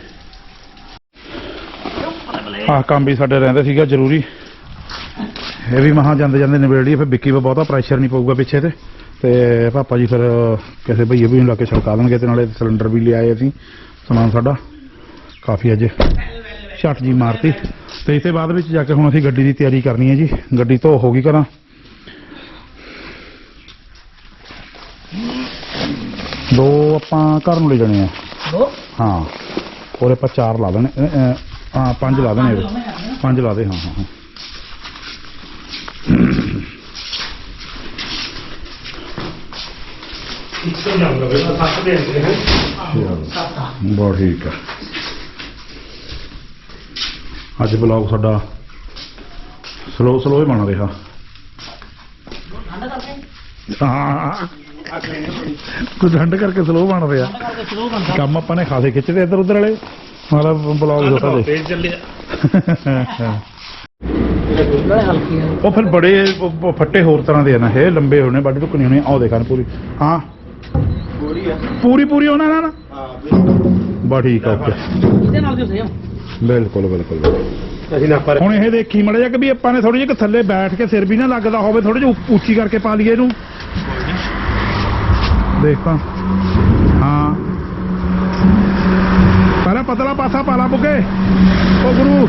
ਆਹ ਕੰਮ ਵੀ ਸਾਡੇ ਰਹਿੰਦੇ ਸੀਗਾ ਜ਼ਰੂਰੀ, ਇਹ ਵੀ ਮਹਾਂ ਜਾਂਦੇ ਜਾਂਦੇ ਨਿਬੇੜੀ। ਫਿਰ ਵਿੱਕੀ 'ਤੇ ਬਹੁਤਾ ਪ੍ਰੈਸ਼ਰ ਨਹੀਂ ਪਊਗਾ ਪਿੱਛੇ ਤੇ ਤੇ ਪਾਪਾ ਜੀ ਫਿਰ ਕਿਸੇ ਭਈਏ ਵੀ ਲਾ ਕੇ ਛੜਕਾ ਦੇਣਗੇ। ਤੇ ਨਾਲੇ ਸਿਲੰਡਰ ਵੀ ਲਿਆਏ ਅਸੀਂ, ਸਮਾਨ ਸਾਡਾ ਕਾਫੀ ਅੱਜ ਛੱਟ ਜੀ ਮਾਰਤੀ। ਤੇ ਇਸੇ ਬਾਅਦ ਵਿੱਚ ਜਾ ਕੇ ਹੁਣ ਅਸੀਂ ਗੱਡੀ ਦੀ ਤਿਆਰੀ ਕਰਨੀ ਹੈ ਜੀ। ਗੱਡੀ ਧੋ ਹੋ ਗਈ ਕਰਾਂ, ਦੋ ਆਪਾਂ ਘਰ ਨੂੰ ਲੈ ਜਾਣੇ ਆ।
ਦੋ
ਹਾਂ ਹੋਰ ਆਪਾਂ ਚਾਰ ਲਾ ਦੇਣੇ, ਅ, ਅ, ਹਾਂ ਪੰਜ ਲਾ ਦੇਣੇ, ਪੰਜ ਲਾ ਦੇ। ਹਾਂ ਹਾਂ ਹਾਂ ਬਹੁਤ ਠੀਕ ਆ। ਅੱਜ ਬਲੌਗ ਸਾਡਾ ਸਲੋ ਸਲੋ ਹੀ ਬਣ ਰਿਹਾ। ਹਾਂ ਕੁਝ ਠੰਡ ਕਰਕੇ ਸਲੋ ਬਣ ਰਿਹਾ ਕੰਮ। ਆਪਾਂ ਨੇ ਖਾਸੇ ਖਿੱਚਦੇ ਇੱਧਰ ਉੱਧਰ ਵਾਲੇ, ਮਤਲਬ ਬਲੌਗ ਦਿੱਤਾ ਦੇ।
ਤੇਜ਼ ਚੱਲਿਆ।
ਹਲਕੀ ਹੈ
ਉਹ ਫਿਰ ਬੜੇ ਉਹ ਫੱਟੇ ਹੋਰ ਤਰ੍ਹਾਂ ਦੇ ਆ ਨਾ, ਇਹ ਲੰਬੇ ਹੋਣੇ, ਵੱਢ ਟੁੱਕਣੀ ਹੋਣੀ। ਆਹ ਦੇਖਾਂ ਪੂਰੀ, ਹਾਂ ਪੂਰੀ ਪੂਰੀ ਉਹਨਾਂ ਨਾਲ ਬਾ ਠੀਕ ਆ। ਓਕੇ
ਇਹਦੇ ਨਾਲ ਜੋ ਸੇਮ
ਬਿਲਕੁਲ ਬਿਲਕੁਲ।
ਅਸੀਂ ਨਾ ਪਰ
ਹੁਣ ਇਹ ਦੇਖੀ ਮੜਾ ਜਾ ਕਿ ਵੀ ਆਪਾਂ ਨੇ ਥੋੜੀ ਜਿਹੀ ਥੱਲੇ ਬੈਠ ਕੇ ਸਿਰ ਵੀ ਨਾ ਲੱਗਦਾ ਹੋਵੇ, ਥੋੜੀ ਜਿਹੀ ਉੱਚੀ ਕਰਕੇ ਪਾ ਲਈਏ ਇਹਨੂੰ। ਦੇਖ ਤਾਂ ਹਾਂ ਪਹਿਲਾਂ ਪਤਲਾ ਪਾਸਾ ਪਾ ਲਾ ਬੁੱਗੇ ਉਹ ਗੁਰੂ।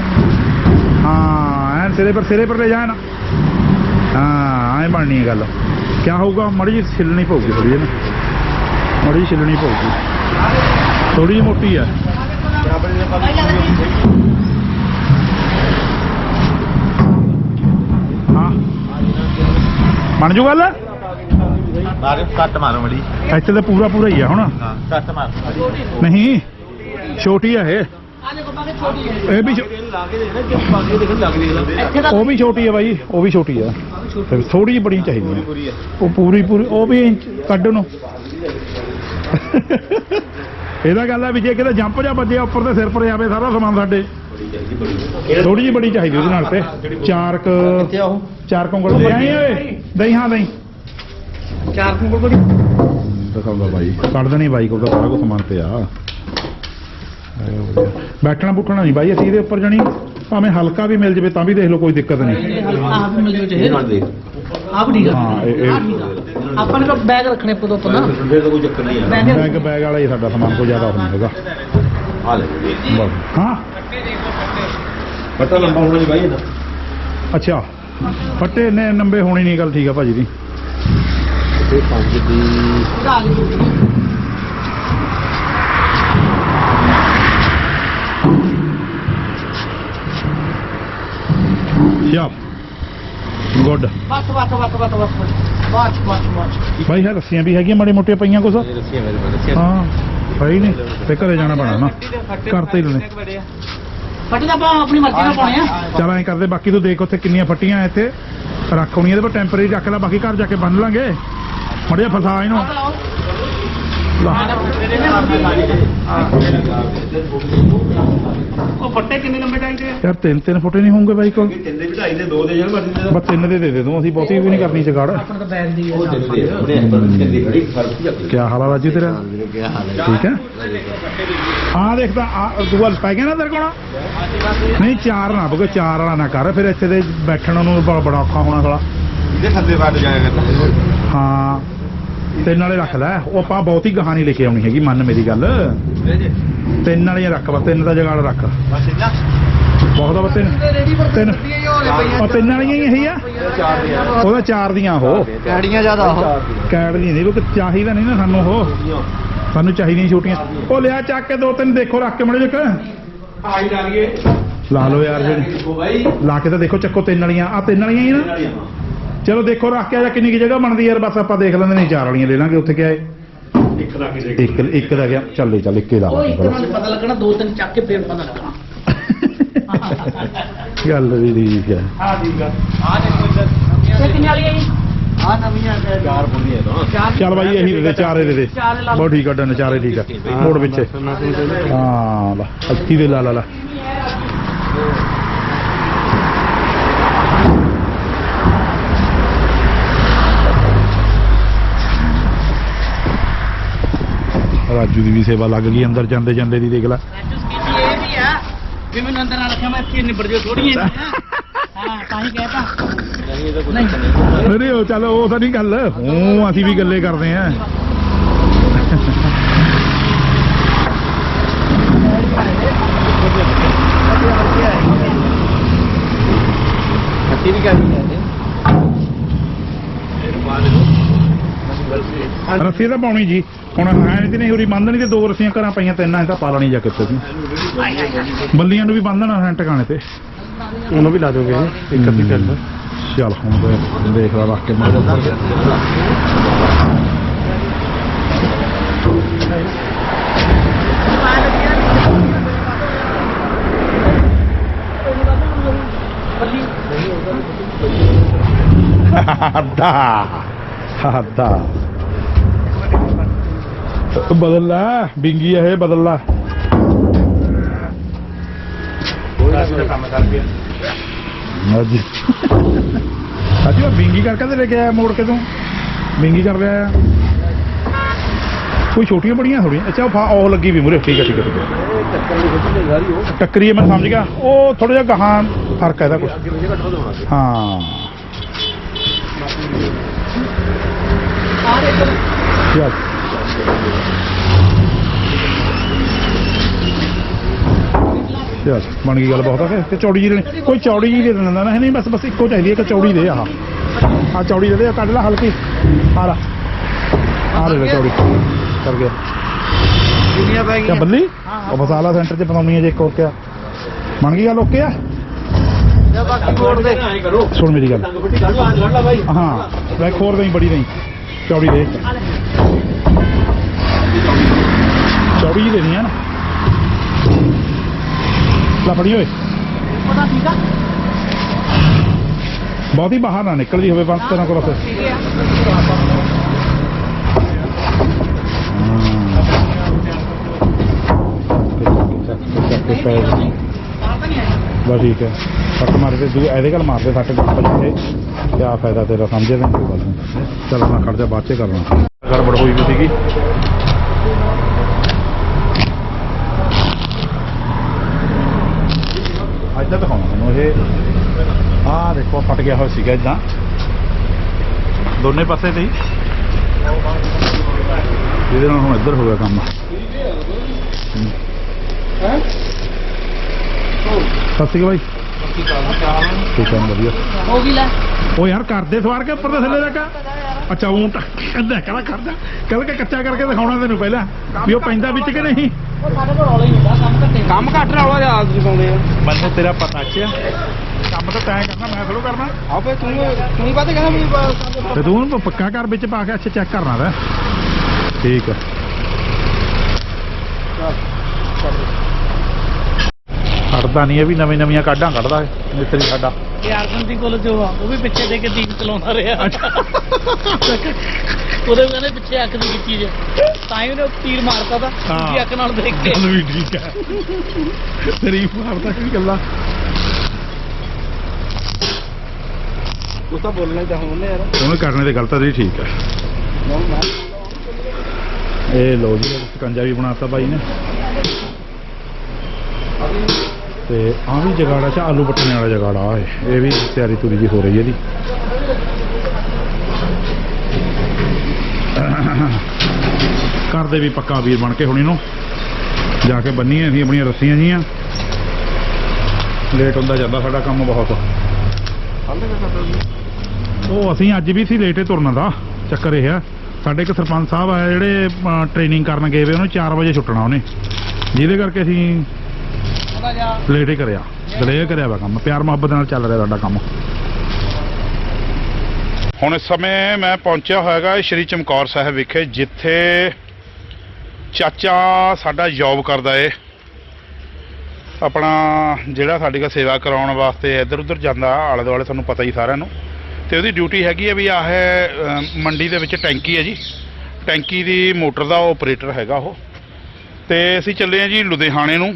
ਹਾਂ ਐਨ ਸਿਰੇ ਪਰ ਸਿਰੇ ਪਰ ਲੈ ਜਾਣ। ਹਾਂ ਐਂ ਬਣਨੀ ਹੈ ਗੱਲ। ਕਿਆ ਹੋਊਗਾ, ਮੜੀ ਜਿਹੀ ਛਿੱਲਣੀ ਪਊਗੀ, ਥੋੜੀ ਜਿਹੀ ਨਾ ਮੜੀ ਜਿਹੀ ਛਿੱਲਣੀ ਪਊਗੀ, ਥੋੜੀ ਜਿਹੀ ਮੋਟੀ ਹੈ। ਹਾਂ ਬਣ ਜੂ ਗੱਲ।
ਮਾਰੇ ਕੱਟ ਮਾਰੋ ਮੜੀ।
ਇੱਥੇ ਤਾਂ ਪੂਰਾ ਪੂਰਾ ਹੀ ਆ ਹੁਣ।
ਹਾਂ ਕੱਟ ਮਾਰ।
ਨਹੀਂ ਛੋਟੀ ਆ ਇਹ
ਆ ਦੇਖੋ ਬਾਕੀ ਛੋਟੀ ਹੈ
ਇਹ ਵੀ ਛੋ-
ਇੱਥੇ ਤਾਂ
ਉਹ ਵੀ ਛੋਟੀ ਆ ਬਾਈ ਉਹ ਵੀ ਛੋਟੀ ਆ ਥੋੜੀ ਜਿਹੀ ਬੜੀ ਚਾਹੀਦੀ ਆ ਉਹ ਪੂਰੀ ਪੂਰੀ ਉਹ ਵੀ ਇੰਚ ਕੱਢ ਨੂੰ ਇਹਦਾ ਗੱਲ ਆ ਵੀ ਜੇ ਕਿਤੇ ਜੰਪ ਜਾਂ ਵੱਜਿਆ ਉੱਪਰ ਤੇ ਸਿਰ ਪਰ ਆਵੇ ਸਾਰਾ ਸਮਾਨ ਸਾਡੇ ਥੋੜੀ ਜਿਹੀ ਬੜੀ ਚਾਹੀਦੀ ਉਹਦੇ ਨਾਲ ਤੇ ਚਾਰ ਕ ਚਾਰ ਕੰਗਲ ਦੇ ਆਏ ਓਏ ਦਹੀਂ ਹਾਂ ਦਹੀਂ
ਚਾਰ ਕੁੰਗਲ ਬੜੀ
ਦਿਖਾਉਂਦਾ ਬਾਈ ਕੱਢ ਦੇਣੀ ਬਾਈ ਕੋਲ ਤਾਂ ਸਾਰਾ ਕੁਝ ਸਮਾਨ ਤੇ ਆ ਬੈਠਣਾ ਬੁੱਠਣਾ ਨਹੀਂ ਬਾਈ ਅਸੀਂ ਇਹਦੇ ਉੱਪਰ ਜਾਣੀ ਭਾਵੇਂ ਹਲਕਾ ਵੀ ਮਿਲ ਜਵੇ ਤਾਂ ਵੀ ਦੇਖ ਲਓ ਕੋਈ ਦਿੱਕਤ ਨਹੀਂ
ਆਪ ਮਿਲ ਜੋ ਚਾਹੇ ਆਪ ਠੀਕ ਆ
ਹਾਂ, ਇਹ- ਇਹ-
ਆਹ ਠੀਕ ਆ। ਆਪਾਂ ਨੇ ਤਾਂ ਬੈਗ ਰੱਖਣੇ ਪਦੋਂ ਤੋਂ ਨਾ ਬੈਗ
ਬੈਗ ਬੈਗ ਵਾਲਾ ਹੀ ਸਾਡਾ ਸਮਾਨ ਕੋਈ ਜ਼ਿਆਦਾ ਨਹੀਂ ਹੈਗਾ ਬਸ। ਹਾਂ
ਪਤਾ ਲੰਬਾ ਹੋਣਾ ਨਹੀਂ ਬਾਈ ਇਹਦਾ
ਅੱਛਾ ਫੱਟੇ ਨੇ ਨੰਬੇ ਹੋਣੀ ਨਹੀਂ ਗੱਲ ਠੀਕ ਆ ਭਾਜੀ ਦੀ
ਇਹ ਪੰਜ ਦੀ
ਆ ਗਈ
ਯਾ ਗੁੱਡ
ਬਸ ਬਸ ਬਸ ਬਸ ਬਸ ਬਸ ਬਸ ਬਸ
ਭਾਈ ਹੈ ਰੱਸੀਆਂ ਵੀ ਹੈਗੀਆਂ ਮਾੜੀ ਮੋਟੀਆਂ ਪਈਆਂ ਕੁਛ
ਇਹ ਰੱਸੀਆਂ ਮੇਰੇ ਕੋਲ ਰੱਸੀਆਂ
ਹਾਂ ਭਾਈ ਨਹੀਂ ਤੇ ਘਰੇ ਜਾਣਾ ਪੈਣਾ ਨਾ ਘਰ ਤੇ ਹੀ ਲੈਣੇ
ਫੱਟੇ ਤਾਂ ਆਪਾਂ ਆਪਣੀ ਮਰਜ਼ੀ ਨਾਲ ਪਾਉਣੇ ਆ
ਚਲ ਐਂ ਕਰਦੇ ਬਾਕੀ ਤੂੰ ਦੇਖ ਉੱਥੇ ਕਿੰਨੀਆਂ ਫੱਟੀਆਂ ਇੱਥੇ ਰੱਖ ਹੋਣੀਆਂ ਇਹਦੇ ਪਰ ਟੈਂਪਰੇਰੀ ਰੱਖ ਲੈ ਬਾਕੀ ਘਰ ਜਾ ਕੇ ਬੰਨ ਲਾਂਗੇ ਮੜਿਆ ਫਸਾ ਇਹਨੂੰ ਲਾ।
ਉਹ ਫੱਟੇ ਕਿੰਨੇ ਲੰਬੇ ਚਾਹੀਦੇ ਆ
ਯਾਰ ਤਿੰਨ ਤਿੰਨ ਫੁੱਟ ਨਹੀਂ ਹੋਣਗੇ ਬਾਈ ਕੋਲ
ਤਿੰਨ ਦੀ ਢਾਈ ਦੇ ਦੋ ਦੇ ਜਣ ਮਰਜ਼ੀ ਦੇ
ਬਸ ਤਿੰਨ ਦੇ ਦੇ ਦੇ ਦੂੰ ਅਸੀਂ ਬਹੁਤੀ ਵੀ ਨਹੀਂ ਕਰਨੀ ਚਗਾੜ
ਆਪਣਾ ਤਾਂ ਬੈਗ ਦੀ
ਉਹ ਤਿੰਨ ਦੇ ਉਹਨੇ ਪਰ ਤਿੰਨ ਖੜੀ ਫਰਕ ਕੀ ਆ
ਕੀ ਹਾਲ ਆ ਰਾਜੂ ਤੇਰਾ
ਵੀਰੇ ਕੀ ਹਾਲ ਹੈ
ਠੀਕ ਹੈ ਆ ਦੇਖਦਾ ਆ ਦੂਆ ਪੈ ਗਿਆ ਨਾ ਤੇਰੇ ਕੋਲ ਨਹੀਂ ਚਾਰ ਨਾ ਬਗੋ ਚਾਰ ਵਾਲਾ ਨਾ ਕਰ ਫਿਰ ਇੱਥੇ ਦੇ ਬੈਠਣ ਨੂੰ ਬੜਾ ਬੜਾ ਔਖਾ ਹੋਣਾ ਸਾਲਾ
ਇਹਦੇ ਥੱਲੇ ਵੱਟ ਜਾਏਗਾ
ਹਾਂ ਤਿੰਨ ਵਾਲੇ ਰੱਖ ਲੈ ਉਹ ਆਪਾਂ ਬਹੁਤੀ ਗਾਹਾਂ ਨਹੀਂ ਲੈ ਕੇ ਆਉਣੀ ਹੈਗੀ ਮੰਨ ਮੇਰੀ ਗੱਲ ਤਿੰਨ ਵਾਲੀਆਂ ਰੱਖ ਬਸ ਤਿੰਨ ਦਾ ਜਗਾੜ ਰੱਖ
ਬਸ ਇੰਨਾ
ਬਹੁਤ ਆ ਬਸ ਤਿੰਨ ਤਿੰਨ ਉਹ ਤਿੰਨ ਵਾਲੀਆਂ ਹੀ ਇਹੀ ਆ
ਚਾਰ ਦੇ ਆ
ਉਹਦਾ ਚਾਰ ਦੀਆਂ ਉਹ
ਕੈੜੀਆਂ ਜ਼ਿਆਦਾ ਉਹ
ਕੈਟ ਦੀਆਂ ਨਹੀਂ ਲੋਕ ਚਾਹੀਦਾ ਨਹੀਂ ਨਾ ਸਾਨੂੰ ਉਹ ਸਾਨੂੰ ਚਾਹੀਦੀਆਂ ਛੋਟੀਆਂ ਉਹ ਲਿਆ ਚੱਕ ਕੇ ਦੋ ਤਿੰਨ ਦੇਖੋ ਰੱਖ ਕੇ ਮੜੇ ਜਕ
ਆਈ ਡਾਲੀਏ
ਲਾ ਲਓ ਯਾਰ ਜਿਹੜੀ
ਦੇਖੋ ਬਾਈ
ਲਾ ਕੇ ਤਾਂ ਦੇਖੋ ਚੱਕੋ ਤਿੰਨ ਵਾਲੀਆਂ ਆ ਤਿੰਨ ਵਾਲੀਆਂ ਹੀ ਨਾ ਚਲੋ ਦੇਖੋ ਰੱਖ ਕੇ ਆ ਕਿੰਨੀ ਕੀ ਜਗ੍ਹਾ ਬਣਦੀ ਯਾਰ ਬਸ ਆਪਾਂ ਦੇਖ ਲੈਂਦੇ ਨਹੀਂ ਚਾਰ ਵਾਲੀਆਂ ਲੈ ਲਾਂਗੇ ਉੱਥੇ ਕਿਆ ਹੈ
ਇੱਕ ਰੱਖ ਦੇ
ਇੱਕ ਇੱਕ ਦਾ ਗਿਆ ਚੱਲੇ ਚੱਲ ਇੱਕੇ ਦਾ
ਉਹ ਇੱਕ ਨਾਲ ਪਤਾ ਲੱਗਣਾ ਦੋ ਤਿੰਨ ਚੱਕ ਕੇ ਫੇਰ ਪਤਾ ਲੱਗਣਾ
ਗੱਲ ਵੀ ਠੀਕ ਹੈ
ਆ ਠੀਕ ਆ ਆ ਦੇਖੋ ਇੱਧਰ ਇਹ ਕਿੰਨੇ ਵਾਲੀ ਹੈ ਜੀ ਆ ਨਵੀਆਂ
ਚਾਰ ਬੁੰਦੀਆਂ ਤੋਂ
ਚਾਰ
ਚੱਲ ਬਾਈ ਇਹੀ ਦੇ ਦੇ ਚਾਰੇ ਦੇ ਦੇ
ਚਾਰ ਲਾ ਲਓ।
ਬਹੁਤ ਠੀਕ ਆ ਡਨ ਚਾਰੇ ਠੀਕ ਆ ਮੋੜ ਵਿੱਚ ਹਾਂ ਲਾ ਅੱਤੀ ਦੇ ਲਾ ਲਾ ਲਾ ਰਾਜੂ ਦੀ ਵੀ ਸੇਵਾ ਲੱਗ ਗਈ ਅੰਦਰ ਜਾਂਦੇ ਜਾਂਦੇ ਦੀ ਦੇਖ ਲੈ
ਇਹ ਵੀ ਆ ਵੀ ਮੈਨੂੰ ਅੰਦਰ ਨਾ ਰੱਖਿਆ ਮੈਂ ਇੱਥੇ ਨਿਬੜ ਜਾ ਥੋੜੀਆਂ ਹਾਂ ਤਾਂ ਹੀ ਕਹਿਤਾ ਨਹੀਂ
ਨਹੀਂ ਉਹ ਚੱਲ ਉਹ ਤਾਂ ਨਹੀਂ ਗੱਲ ਉਹ ਅਸੀਂ ਵੀ ਗੱਲੇ ਕਰਦੇ ਆਂ
ਖੱਟੀ ਵੀ ਕਰਨੀ ਹੈ
ਰੱਸੀ ਤਾਂ ਪਾਉਣੀ ਜੀ ਹੁਣ ਹੈ ਨਹੀਂ ਤੇ ਨਹੀਂ ਹੋਰੀ ਬੰਨ੍ਹਣੀ ਤੇ ਦੋ ਰੱਸੀਆਂ ਘਰਾਂ ਪਈਆਂ ਤਿੰਨ ਐ ਤਾਂ ਪਾ ਲੈਣੀ ਜਾ ਕੇ ਉੱਤੇ ਤੂੰ ਬੱਲੀਆਂ ਨੂੰ ਵੀ ਬੰਨ੍ਹਣਾ ਹੈ ਟਿਕਾਣੇ ਤੇ ਉਹਨੂੰ ਵੀ ਲਾ ਦੋਗੇ ਇੱਕ ਅੱਧੀ ਗੱਲ ਚੱਲ ਹੁਣ ਤੇ ਦੇਖ ਲਾ ਰੱਖ ਕੇ ਮਾਰ ਅੱਧਾ ਅੱਧਾ ਬਦਲ ਲੈ ਬਿੰਗੀ ਇਹ ਬਦਲ ਲੈ
ਕੰਮ ਕਰ ਪਿਆ
ਅੱਜ ਅੱਜ ਉਹ ਬਿੰਗੀ ਕਰਕੇ ਤੇ ਲੈ ਕੇ ਆਇਆ ਮੋੜ ਕੇ ਤੂੰ ਬਿੰਗੀ ਕਰ ਲਿਆ ਕੋਈ ਛੋਟੀਆਂ ਬੜੀਆਂ ਥੋੜੀਆਂ ਅੱਛਾ ਉਹ ਫਾ ਉਹ ਲੱਗੀ ਵੀ ਮੂਰੇ ਠੀਕ ਹੈ ਠੀਕ ਹੈ ਠੀਕ ਹੈ ਟੱਕਰੀ ਹੈ ਮੈਂ ਸਮਝ ਗਿਆ ਉਹ ਥੋੜਾ ਜਿਹਾ ਗਾਹਾਂ ਫਰਕ ਹੈ ਇਹਦਾ ਕੁਝ ਹਾਂ ਚੱਲ ਚੱਲ ਬਣ ਗਈ ਗੱਲ ਬਹੁਤ ਆ ਕਿ ਚੌੜੀ ਜੀ ਲੈਣੀ ਕੋਈ ਚੌੜੀ ਜੀ ਦੇ ਦਿੰਦਾ ਨਾ ਨਹੀਂ ਬਸ ਬਸ ਇੱਕੋ ਚਾਹੀਦੀ ਹੈ ਕਿ ਚੌੜੀ ਦੇ ਆਹ ਆ ਚੌੜੀ ਦੇ ਦੇ ਆਹ ਕੱਢ ਲੈ ਹਲਕੀ ਆ ਲਾ ਆ ਲੈ ਚੌੜੀ ਕਰ ਗਿਆ
ਦੁਨੀਆ ਪੈ
ਕਿਆ ਬੱਲੀ ਉਹ ਮਸਾਲਾ ਸੈਂਟਰ 'ਚ ਬਣਾਉਣੀ ਹੈ ਜੇ ਇੱਕ ਹੋਰ ਕਿਆ ਬਣ ਗਈ ਗੱਲ ਓਕੇ ਆ
ਜਾਂ ਬਾਕੀ ਮੋੜ ਦੇ ਐਂ ਕਰੋ
ਸੁਣ ਮੇਰੀ ਗੱਲ
ਟੰਗ ਫੱਟੀ ਕੱਢ ਲਓ ਕੱਢ ਲਾ ਬਾਈ
ਹਾਂ ਵੈਕ ਹੋਰ ਨਹੀਂ ਬੜੀ ਨਹੀਂ ਚੌੜੀ ਦੇ ਚੌੜੀ ਹੀ ਦੇਣੀ ਹੈ ਨਾ ਲਾ ਫੜੀ ਓਏ
ਪਤਾ ਠੀਕ ਆ
ਬਹੁਤੀ ਬਾਹਰ ਨਾ ਨਿਕਲਦੀ ਹੋਵੇ ਬੰਦ ਤੇਰਾ ਕੋਲ ਫਿਰ
ਠੀਕ ਆ
ਬਸ ਠੀਕ ਹੈ ਫੱਟ ਮਾਰ ਕੇ ਦੂ ਇਹਦੇ ਗੱਲ ਮਾਰਦੇ ਫੱਟ ਪੱਛੇ ਕਿਆ ਫਾਇਦਾ ਤੇਰਾ ਸਮਝੇ ਤਾਂ ਕੋਈ ਗੱਲ ਨਹੀਂ ਚਲ ਮੈਂ ਖੜ ਜਾ ਬਾਅਦ 'ਚ ਕਰਨਾ ਗੜਬੜ ਹੋਈ ਵੀ ਸੀਗੀ ਇੱਦਾਂ ਦਿਖਾਉਣਾ ਤੁਹਾਨੂੰ ਇਹ ਆਹ ਦੇਖੋ ਫਟ ਗਿਆ ਹੋਇਆ ਸੀਗਾ ਇੱਦਾਂ ਦੋਨੇ ਪਾਸੇ ਤੇ ਹੀ ਇਹਦੇ ਨਾਲ ਹੁਣ ਇੱਧਰ ਹੋ ਗਿਆ ਕੰਮ ਸਤਿ ਸ਼੍ਰੀ ਅਕਾਲ ਭਾਈ ਠੀਕ ਹੈ ਵਧੀਆ
ਹੋ ਗਈ ਲੈ
ਉਹ ਯਾਰ ਕਰਦੇ ਸਵਾਰ ਕੇ ਉੱਪਰ ਦੇ ਥੱਲੇ ਤੱਕ ਅੱਛਾ ਊਂ ਤਾਂ ਕਹਿੰਦਾ ਕਹਿੰਦਾ ਕਰਦਾ ਕੱਲ ਕੇ ਕੱਚਾ ਕਰਕੇ ਦਿਖਾਉਣਾ ਤੈਨੂੰ ਪਹਿਲਾਂ ਵੀ ਉਹ ਪੈਂਦਾ ਵਿੱਚ ਕਿ ਨਹੀਂ
ਉਹ ਸਾਡੇ ਕੋਲ ਰੌਲਾ ਹੀ ਹੁੰਦਾ ਕੰਮ ਘੱਟੇ
ਕੰਮ ਘੱਟ ਰੌਲਾ ਜਿਆਦਾ ਤੁਸੀਂ ਪਾਉਂਦੇ ਆ
ਮੈਨੂੰ ਤੇਰਾ ਪਤਾ ਚ ਕੰਮ ਤਾਂ ਤੈਂ ਕਰਨਾ ਮੈਂ ਥੋੜ੍ਹਾ ਕਰਨਾ
ਆਪੇ ਤੂੰ ਤੂੰ ਹੀ ਬਾਤੇ ਕਹਿੰਦਾ ਵੀ ਬਸ
ਤੇ ਤੂੰ ਉਹਨੂੰ ਪੱਕਾ ਕਰ ਵਿੱਚ ਪਾ ਕੇ ਅੱਛਾ ਚੈੱਕ ਕਰਨਾ ਵਾ ਠੀਕ ਹੈ ਕੱਢਦਾ ਨਹੀਂ ਇਹ ਵੀ ਨਵੀਂ ਨਵੀਆਂ ਕਾਢਾਂ ਕੱਢਦਾ ਹੈ ਮਿਸਤਰੀ ਸਾਡਾ
ਇਹ ਅਰਜਨ ਦੀ ਕੋਲ ਜੋ ਆ ਉਹ ਵੀ ਪਿੱਛੇ ਦੇ ਕੇ ਦੀਪ ਚਲਾਉਂਦਾ ਰਿਹਾ ਉਹਦੇ ਕਹਿੰਦੇ ਪਿੱਛੇ ਅੱਖ ਦੀ ਕੀਤੀ ਜੇ ਤਾਂ ਹੀ ਉਹਨੇ ਤੀਰ ਮਾਰਤਾ ਤਾਂ ਦੂਜੀ ਅੱਖ ਨਾਲ ਦੇਖ ਕੇ
ਗੱਲ ਵੀ ਠੀਕ ਹੈ ਤੇਰੀ ਮਾਰਦਾ ਕੀ ਗੱਲਾਂ
ਉਹ ਤਾਂ ਬੋਲਣਾ ਹੀ ਚਾਹੁੰਦੇ ਯਾਰ
ਉਹਨੂੰ ਕਰਨੇ ਦੀ ਗੱਲ ਤਾਂ ਤੇਰੀ ਠੀਕ ਹੈ ਇਹ ਲੋ ਜੀ ਸਕੰਜਾ ਵੀ ਬਣਾਤਾ ਬਾਈ ਨੇ ਤੇ ਆ ਵੀ ਜਗਾੜਾ ਚ ਆਲੂ ਪੱਟਣੇ ਵਾਲਾ ਜਗਾੜਾ ਹੈ ਇਹ ਵੀ ਤਿਆਰੀ ਤੁਰੀ ਜੀ ਹੋ ਰਹੀ ਹੈ ਇਹਦੀ ਕਰਦੇ ਵੀ ਪੱਕਾ ਵੀਰ ਬਣ ਕੇ ਹੁਣ ਇਹਨੂੰ ਜਾ ਕੇ ਬੰਨੀਏ ਅਸੀਂ ਆਪਣੀਆਂ ਰੱਸੀਆਂ ਜੀਆਂ ਲੇਟ ਹੁੰਦਾ ਜਾਂਦਾ ਸਾਡਾ ਕੰਮ ਬਹੁਤ ਉਹ ਅਸੀਂ ਅੱਜ ਵੀ ਸੀ ਲੇਟੇ ਤੁਰਨ ਦਾ ਚੱਕਰ ਇਹ ਆ ਸਾਡੇ ਇੱਕ ਸਰਪੰਚ ਸਾਹਿਬ ਆ ਜਿਹੜੇ ਟ੍ਰੇਨਿੰਗ ਕਰਨ ਗਏ ਵੇ ਉਹਨੂੰ ਚਾਰ ਵਜੇ ਛੁੱਟਣਾ ਉਹਨੇ ਜਿਹਦੇ ਕਰਕੇ ਅਸੀਂ ਲੇਟ ਹੀ ਕਰਿਆ ਡਿਲੇ ਕਰਿਆ ਵਾ ਕੰਮ ਪਿਆਰ ਮੁਹੱਬਤ ਨਾਲ ਚੱਲ ਰਿਹਾ ਸਾਡਾ ਕੰਮ ਹੁਣ ਇਸ ਸਮੇਂ ਮੈਂ ਪਹੁੰਚਿਆ ਹੋਇਆਗਾ ਸ਼੍ਰੀ ਚਮਕੌਰ ਸਾਹਿਬ ਵਿਖੇ ਜਿੱਥੇ ਚਾਚਾ ਸਾਡਾ ਜੌਬ ਕਰਦਾ ਏ ਆਪਣਾ ਜਿਹੜਾ ਸਾਡੀ ਕਾ ਸੇਵਾ ਕਰਾਉਣ ਵਾਸਤੇ ਇੱਧਰ ਉੱਧਰ ਜਾਂਦਾ ਆਲੇ ਦੁਆਲੇ ਤੁਹਾਨੂੰ ਪਤਾ ਹੀ ਸਾਰਿਆਂ ਨੂੰ ਤੇ ਉਹਦੀ ਡਿਊਟੀ ਹੈਗੀ ਹੈ ਵੀ ਆਹ ਮੰਡੀ ਦੇ ਵਿੱਚ ਟੈਂਕੀ ਹੈ ਜੀ ਟੈਂਕੀ ਦੀ ਮੋਟਰ ਦਾ ਆਪਰੇਟਰ ਹੈਗਾ ਉਹ ਤੇ ਅਸੀਂ ਚੱਲੇ ਹਾਂ ਜੀ ਲੁਧਿਆਣੇ ਨੂੰ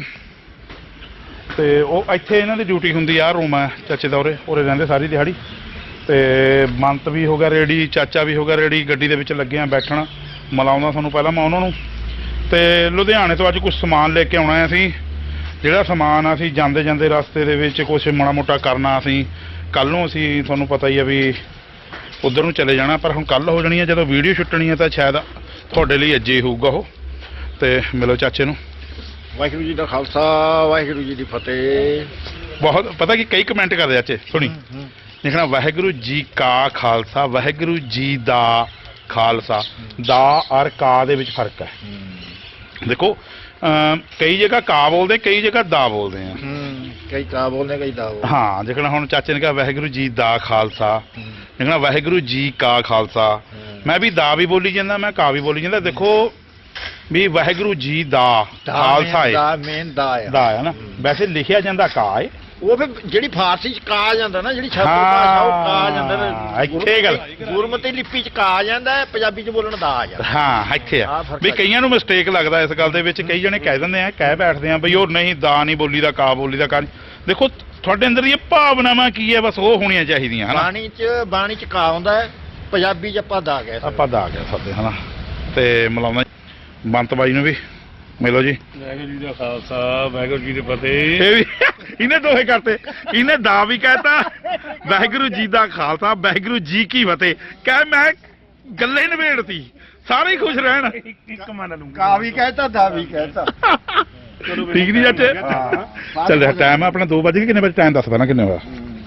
ਤੇ ਉਹ ਇੱਥੇ ਇਹਨਾਂ ਦੀ ਡਿਊਟੀ ਹੁੰਦੀ ਆ ਰੂਮ ਹੈ ਚਾਚੇ ਦਾ ਉਰੇ ਉਰੇ ਰਹਿੰਦੇ ਸਾਰੀ ਦਿਹਾੜੀ ਤੇ ਮੰਤ ਵੀ ਹੋ ਗਿਆ ਰੈਡੀ ਚਾਚਾ ਵੀ ਹੋ ਗਿਆ ਰੈਡੀ ਗੱਡੀ ਦੇ ਵਿੱਚ ਲੱਗੇ ਆ ਬੈਠਣ ਮਿਲਾਉਂਦਾ ਤੁਹਾਨੂੰ ਪਹਿਲਾਂ ਮੈਂ ਉਹਨਾਂ ਨੂੰ ਤੇ ਲੁਧਿਆਣੇ ਤੋਂ ਅੱਜ ਕੁਝ ਸਮਾਨ ਲੈ ਕੇ ਆਉਣਾ ਅਸੀਂ ਜਿਹੜਾ ਸਮਾਨ ਅਸੀਂ ਜਾਂਦੇ ਜਾਂਦੇ ਰਸਤੇ ਦੇ ਵਿੱਚ ਕੁਝ ਮਾੜਾ ਮੋਟਾ ਕਰਨਾ ਅਸੀਂ ਕੱਲ ਨੂੰ ਅਸੀਂ ਤੁਹਾਨੂੰ ਪਤਾ ਹੀ ਆ ਵੀ ਉਧਰ ਨੂੰ ਚਲੇ ਜਾਣਾ ਪਰ ਹੁਣ ਕੱਲ ਹੋ ਜਾਣੀ ਹੈ ਜਦੋਂ ਵੀਡੀਓ ਛੁੱਟਣੀ ਹੈ ਤਾਂ ਸ਼ਾਇਦ ਤੁਹਾਡੇ ਲਈ ਅੱਜ ਹੀ ਹੋਊਗਾ ਉਹ ਤੇ ਮਿਲੋ ਚਾਚੇ ਨੂੰ
ਵਾਹਿਗੁਰੂ ਜੀ ਦਾ ਖਾਲਸਾ ਵਾਹਿਗੁਰੂ ਜੀ ਦੀ ਫਤਿਹ
ਬਹੁਤ ਪਤਾ ਕਿ ਕਈ ਕਮੈਂਟ ਕਰਦੇ ਚਾਚੇ ਸੁਣੀ ਲਿਖਣਾ ਵਾਹਿਗੁਰੂ ਜੀ ਕਾ ਖਾਲਸਾ ਵਾਹਿਗੁਰੂ ਜੀ ਦਾ ਖਾਲਸਾ ਦਾ ਔਰ ਕਾ ਦੇ ਵਿੱਚ ਫਰਕ ਹੈ ਦੇਖੋ ਕਈ ਜਗ੍ਹਾ ਕਾ ਬੋਲਦੇ ਕਈ ਜਗ੍ਹਾ ਦਾ ਬੋਲਦੇ ਆ
ਕਈ ਕਾ ਬੋਲਦੇ ਕਈ ਦਾ ਬੋਲਦੇ
ਹਾਂ ਜਿਕਣਾ ਹੁਣ ਚਾਚੇ ਨੇ ਕਿਹਾ ਵਾਹਿਗੁਰੂ ਜੀ ਦਾ ਖਾਲਸਾ ਲਿਖਣਾ ਵਾਹਿਗੁਰੂ ਜੀ ਕਾ ਖਾਲਸਾ ਮੈਂ ਵੀ ਦਾ ਵੀ ਬੋਲੀ ਜਾਂਦਾ ਮੈਂ ਕਾ ਵੀ ਬੋਲੀ ਜਾਂਦਾ ਦੇਖੋ ਵੀ ਵਾਹਿਗੁਰੂ ਜੀ ਦਾ ਖਾਲਸਾ ਹੈ
ਦਾ ਮੇਨ ਦਾ ਹੈ
ਦਾ ਹੈ ਨਾ ਵੈਸੇ ਲਿਖਿਆ ਜਾਂਦਾ ਕਾ ਹੈ
ਉਹ ਫਿਰ ਜਿਹੜੀ ਫਾਰਸੀ ਚ ਕਾ ਜਾਂਦਾ ਨਾ ਜਿਹੜੀ ਸ਼ਬਦ ਭਾਸ਼ਾ ਉਹ ਕਾ ਜਾਂਦਾ
ਹਾਂ ਇੱਥੇ ਗੱਲ
ਗੁਰਮਤਿ ਲਿਪੀ ਚ ਕਾ ਜਾਂਦਾ ਪੰਜਾਬੀ ਚ ਬੋਲਣ ਦਾ ਆ ਜਾਂਦਾ
ਹਾਂ ਇੱਥੇ ਆ ਵੀ ਕਈਆਂ ਨੂੰ ਮਿਸਟੇਕ ਲੱਗਦਾ ਇਸ ਗੱਲ ਦੇ ਵਿੱਚ ਕਈ ਜਣੇ ਕਹਿ ਦਿੰਦੇ ਆ ਕਹਿ ਬੈਠਦੇ ਆ ਬਈ ਉਹ ਨਹੀਂ ਦਾ ਨਹੀਂ ਬੋਲੀ ਦਾ ਕਾ ਬੋਲੀ ਦਾ ਕਾ ਦੇਖੋ ਤੁਹਾਡੇ ਅੰਦਰ ਦੀਆਂ ਭਾਵਨਾਵਾਂ ਕੀ ਹੈ ਬਸ ਉਹ ਹੋਣੀਆਂ ਚਾਹੀਦੀਆਂ ਹਨਾ
ਬਾਣੀ ਚ ਬਾਣੀ ਚ ਕਾ ਆਉਂਦਾ ਹੈ ਪੰਜਾਬੀ ਚ ਆਪਾਂ ਦਾ ਕਹਿ
ਆਪਾਂ ਦਾ ਕਹਿ ਸਕਦੇ ਹਨਾ ਤੇ ਮਿਲਾਉਂਦਾ ਬੰਤ ਬਾਈ ਨੂੰ ਵੀ ਮਿਲੋ ਜੀ
ਵਾਹਿਗੁਰੂ ਜੀ ਦਾ ਖਾਲਸਾ ਵਾਹਿਗੁਰੂ ਜੀ ਦੀ ਫਤਿਹ
ਇਹ ਵੀ ਇਹਨੇ ਦੋਹੇ ਕਰਤੇ ਇਹਨੇ ਦਾ ਵੀ ਕਹਿਤਾ ਵਾਹਿਗੁਰੂ ਜੀ ਦਾ ਖਾਲਸਾ ਵਾਹਿਗੁਰੂ ਜੀ ਕੀ ਫਤਿਹ ਕਹਿ ਮੈਂ ਗੱਲੇ ਨਿਬੇੜਤੀ ਸਾਰੇ ਹੀ ਖੁਸ਼ ਰਹਿਣ
ਇੱਕ ਮੰਨ ਲੂੰਗਾ
ਕਾ ਵੀ ਕਹਿਤਾ ਦਾ ਵੀ ਕਹਿਤਾ
ਠੀਕ ਨਹੀਂ ਚਾਚੇ ਚੱਲ ਟਾਈਮ ਆਪਣਾ ਦੋ ਵਜੇ ਕਿੰਨੇ ਵਜੇ ਟਾਈਮ ਦੱਸ ਪਹਿਲਾਂ ਕਿੰਨੇ ਹੋਇਆ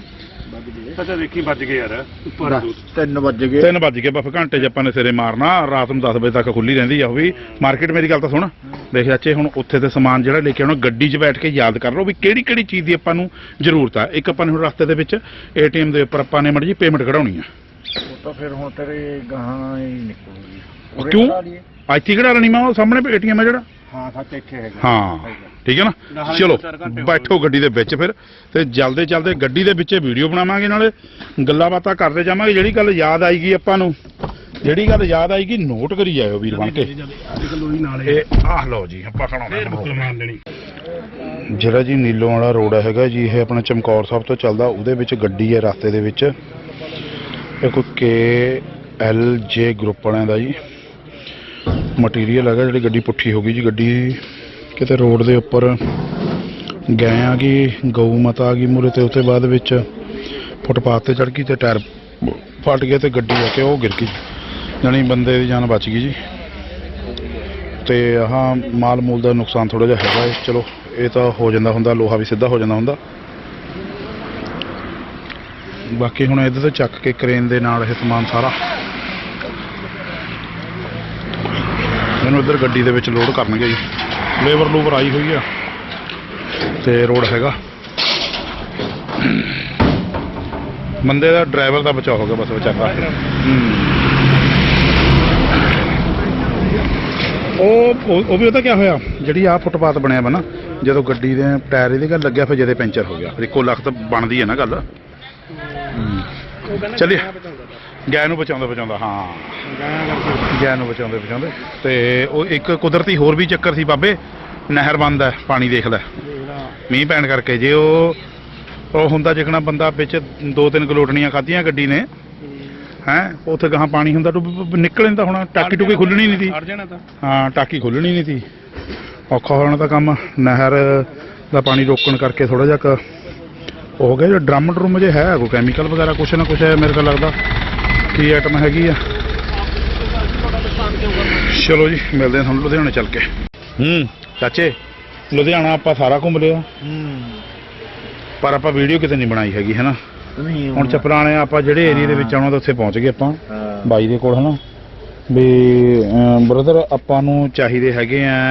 ਪਤਾ ਦੇਖੀ ਵੱਜ ਗਏ ਯਾਰ ਉੱਪਰ
ਤਿੰਨ ਵੱਜ ਗਏ
ਤਿੰਨ ਵੱਜ ਗਏ ਬਸ ਘੰਟੇ 'ਚ ਆਪਾਂ ਨੇ ਸਿਰੇ ਮਾਰਨਾ ਰਾਤ ਨੂੰ ਦਸ ਵਜੇ ਤੱਕ ਖੁੱਲੀ ਰਹਿੰਦੀ ਆ ਉਹ ਵੀ ਮਾਰਕੀਟ ਮੇਰੀ ਗੱਲ ਤਾਂ ਸੁਣ ਦੇਖ ਚਾਚੇ ਹੁਣ ਉੱਥੇ ਤੇ ਸਮਾਨ ਜਿਹੜਾ ਲੈ ਕੇ ਆਉਣਾ ਗੱਡੀ 'ਚ ਬੈਠ ਕੇ ਯਾਦ ਕਰ ਲਓ ਵੀ ਕਿਹੜੀ ਕਿਹੜੀ ਚੀਜ਼ ਦੀ ਆਪਾਂ ਨੂੰ ਜ਼ਰੂਰਤ ਆ ਇੱਕ ਆਪਾਂ ਨੇ ਹੁਣ ਰਸਤੇ ਦੇ ਵਿੱਚ ਏਟੀਐਮ ਦੇ ਉੱਪਰ ਆਪਾਂ ਨੇ ਮੜ ਜੀ ਪੇਮੈਂਟ ਕਢਾਉਣੀ ਆ
ਉਹ ਤਾਂ ਫਿਰ ਹੁਣ ਤੇਰੇ ਗਾਹਾਂ ਹੀ ਨਿਕਲੂਗੀ
ਕਿਉਂ ਇੱਥੇ ਕਿਹੜਾ ਲੈਣੀ ਮੈਂ ਉਹ ਸਾਹਮਣੇ ਏਟੀਐਮ ਆ ਜਿਹੜਾ
ਹਾਂ ਸੱਚ ਇੱਥੇ ਹੈਗਾ
ਹਾਂ ਠੀਕ ਹੈ ਨਾ। ਚਲੋ ਬੈਠੋ ਗੱਡੀ ਦੇ ਵਿੱਚ ਫਿਰ ਤੇ ਜਲਦੇ ਜਲਦੇ ਗੱਡੀ ਦੇ ਵਿੱਚ ਵੀਡੀਓ ਬਣਾਵਾਂਗੇ, ਨਾਲੇ ਗੱਲਾਂ ਬਾਤਾਂ ਕਰਦੇ ਜਾਵਾਂਗੇ। ਜਿਹੜੀ ਗੱਲ ਯਾਦ ਆਏਗੀ ਆਪਾਂ ਨੂੰ, ਜਿਹੜੀ ਗੱਲ ਯਾਦ ਆਏਗੀ ਨੋਟ ਕਰੀ ਜਾਇਓ ਵੀਰ ਬਣ ਕੇ। ਇਹ ਆਹ ਲਓ ਜੀ ਆਪਾਂ ਖੜਾਉਣਾ ਜਿਹੜਾ ਜੀ ਨੀਲੋਂ ਵਾਲਾ ਰੋਡ ਹੈਗਾ ਜੀ, ਇਹ ਆਪਣਾ ਚਮਕੌਰ ਸਾਹਿਬ ਤੋਂ ਚੱਲਦਾ, ਉਹਦੇ ਵਿੱਚ ਗੱਡੀ ਹੈ ਰਸਤੇ ਦੇ ਵਿੱਚ। ਇਹ ਕੋਈ ਕੇ ਐਲ ਜੇ ਗਰੁੱਪ ਵਾਲਿਆਂ ਦਾ ਜੀ ਮਟੀਰੀਅਲ ਹੈਗਾ। ਜਿਹੜੀ ਗੱਡੀ ਪੁੱਠੀ ਹੋ ਗਈ ਜੀ, ਗੱਡੀ ਕਿਤੇ ਰੋਡ ਦੇ ਉੱਪਰ ਗਏ ਆ ਗਈ, ਗਊ ਮਾਤਾ ਆ ਗਈ ਮੂਹਰੇ, ਤੇ ਉਹਦੇ ਬਾਅਦ ਵਿੱਚ ਫੁੱਟਪਾਥ ਤੇ ਚੜ ਗਈ ਤੇ ਟਾਇਰ ਫਟ ਗਿਆ ਤੇ ਗੱਡੀ ਆ ਕੇ ਉਹ ਗਿਰ ਗਈ, ਜਾਣੀ ਬੰਦੇ ਦੀ ਜਾਨ ਬਚ ਗਈ ਜੀ। ਤੇ ਆਹ ਮਾਲ ਮੂਲ ਦਾ ਨੁਕਸਾਨ ਥੋੜਾ ਜਿਹਾ ਹੈਗਾ ਹੈ। ਚਲੋ ਇਹ ਤਾਂ ਹੋ ਜਾਂਦਾ ਹੁੰਦਾ, ਲੋਹਾ ਵੀ ਸਿੱਧਾ ਹੋ ਜਾਂਦਾ ਹੁੰਦਾ। ਬਾਕੀ ਹੁਣ ਇੱਧਰ ਤੋਂ ਚੱਕ ਕੇ ਕ੍ਰੇਨ ਦੇ ਨਾਲ ਇਹ ਸਮਾਨ ਸਾਰਾ ਇਹਨੂੰ ਇੱਧਰ ਗੱਡੀ ਦੇ ਵਿੱਚ ਲੋਡ ਕਰਨਗੇ ਜੀ। ਲੇਬਰ ਲੂਬਰ ਆਈ ਹੋਈ ਆ ਤੇ ਰੋਡ ਹੈਗਾ। ਬੰਦੇ ਦਾ ਡਰਾਈਵਰ ਦਾ ਬਚਾਅ ਹੋ ਗਿਆ ਬਸ ਵਿਚਾਰਾ। ਉਹ ਉਹ ਵੀ ਉਹਦਾ ਕੀ ਹੋਇਆ, ਜਿਹੜੀ ਆਹ ਫੁੱਟਪਾਥ ਬਣਿਆ ਵਾ ਨਾ, ਜਦੋਂ ਗੱਡੀ ਦੇ ਟਾਇਰ ਇਹਦੇ ਗੱਲ ਲੱਗਿਆ ਫਿਰ ਜਦੇ ਪੈਂਚਰ ਹੋ ਗਿਆ। ਫਿਰ ਇੱਕੋ ਲੱਖ ਤਾਂ ਬਣਦੀ ਹੈ ਨਾ ਗੱਲ। ਚੱਲੀਏ ਗਾਇ ਨੂੰ ਬਚਾਉਂਦਾ ਬਚਾਉਂਦਾ ਹਾਂ ਗਾਇ ਨੂੰ ਬਚਾਉਂਦੇ ਬਚਾਉਂਦੇ ਤੇ ਉਹ ਇੱਕ ਕੁਦਰਤੀ ਹੋਰ ਵੀ ਚੱਕਰ ਸੀ ਬਾਬੇ, ਨਹਿਰ ਬੰਦ ਹੈ, ਪਾਣੀ ਦੇਖ ਲੈ ਮੀਂਹ ਪੈਣ ਕਰਕੇ। ਜੇ ਉਹ ਉਹ ਹੁੰਦਾ ਜਿਕਣਾ ਬੰਦਾ ਵਿੱਚ ਦੋ ਤਿੰਨ ਗਲੋਟਣੀਆਂ ਖਾਧੀਆਂ ਗੱਡੀ ਨੇ ਹੈਂ, ਉੱਥੇ ਗਾਹਾਂ ਪਾਣੀ ਹੁੰਦਾ ਡੁੱਬ ਨਿਕਲ ਜਾਂਦਾ ਹੋਣਾ, ਟਾਕੀ ਟੂਕੀ ਖੁੱਲਣੀ ਨਹੀਂ ਸੀ। ਹਾਂ ਟਾਕੀ ਖੁੱਲਣੀ ਨਹੀਂ ਸੀ, ਔਖਾ ਹੋਣਾ ਤਾਂ ਕੰਮ। ਨਹਿਰ ਦਾ ਪਾਣੀ ਰੋਕਣ ਕਰਕੇ ਥੋੜਾ ਜਿਹਾ ਹੋ ਗਿਆ। ਜੋ ਡਰਮ ਡਰਮ ਜੇ ਹੈ ਕੋਈ ਕੈਮੀਕਲ ਵਗੈਰਾ ਕੁਛ ਨਾ ਕੁਛ ਹੈ ਮੇਰੇ ਕੋਲ ਲੱਗਦਾ, ਕੀ ਆਈਟਮ ਹੈਗੀ ਆ। ਚਲੋ ਜੀ ਮਿਲਦੇ ਹਾਂ ਤੁਹਾਨੂੰ ਲੁਧਿਆਣੇ ਚੱਲ ਕੇ। ਹੂੰ ਚਾਚੇ ਲੁਧਿਆਣਾ ਆਪਾਂ ਸਾਰਾ ਘੁੰਮ ਲਿਆ, ਪਰ ਆਪਾਂ ਵੀਡੀਓ ਕਿਤੇ ਨਹੀਂ ਬਣਾਈ ਹੈਗੀ ਹੈ ਨਾ। ਹੁਣ ਚੱਪਲਾਂ ਵਾਲੇ ਆਪਾਂ ਜਿਹੜੇ ਏਰੀਆ ਦੇ ਵਿੱਚ ਆਉਣਾ ਤਾਂ ਉੱਥੇ ਪਹੁੰਚ ਗਏ ਆਪਾਂ ਬਾਈ ਦੇ ਕੋਲ ਹੈ ਨਾ। ਵੀ ਬ੍ਰਦਰ ਆਪਾਂ ਨੂੰ ਚਾਹੀਦੇ ਹੈਗੇ ਆ,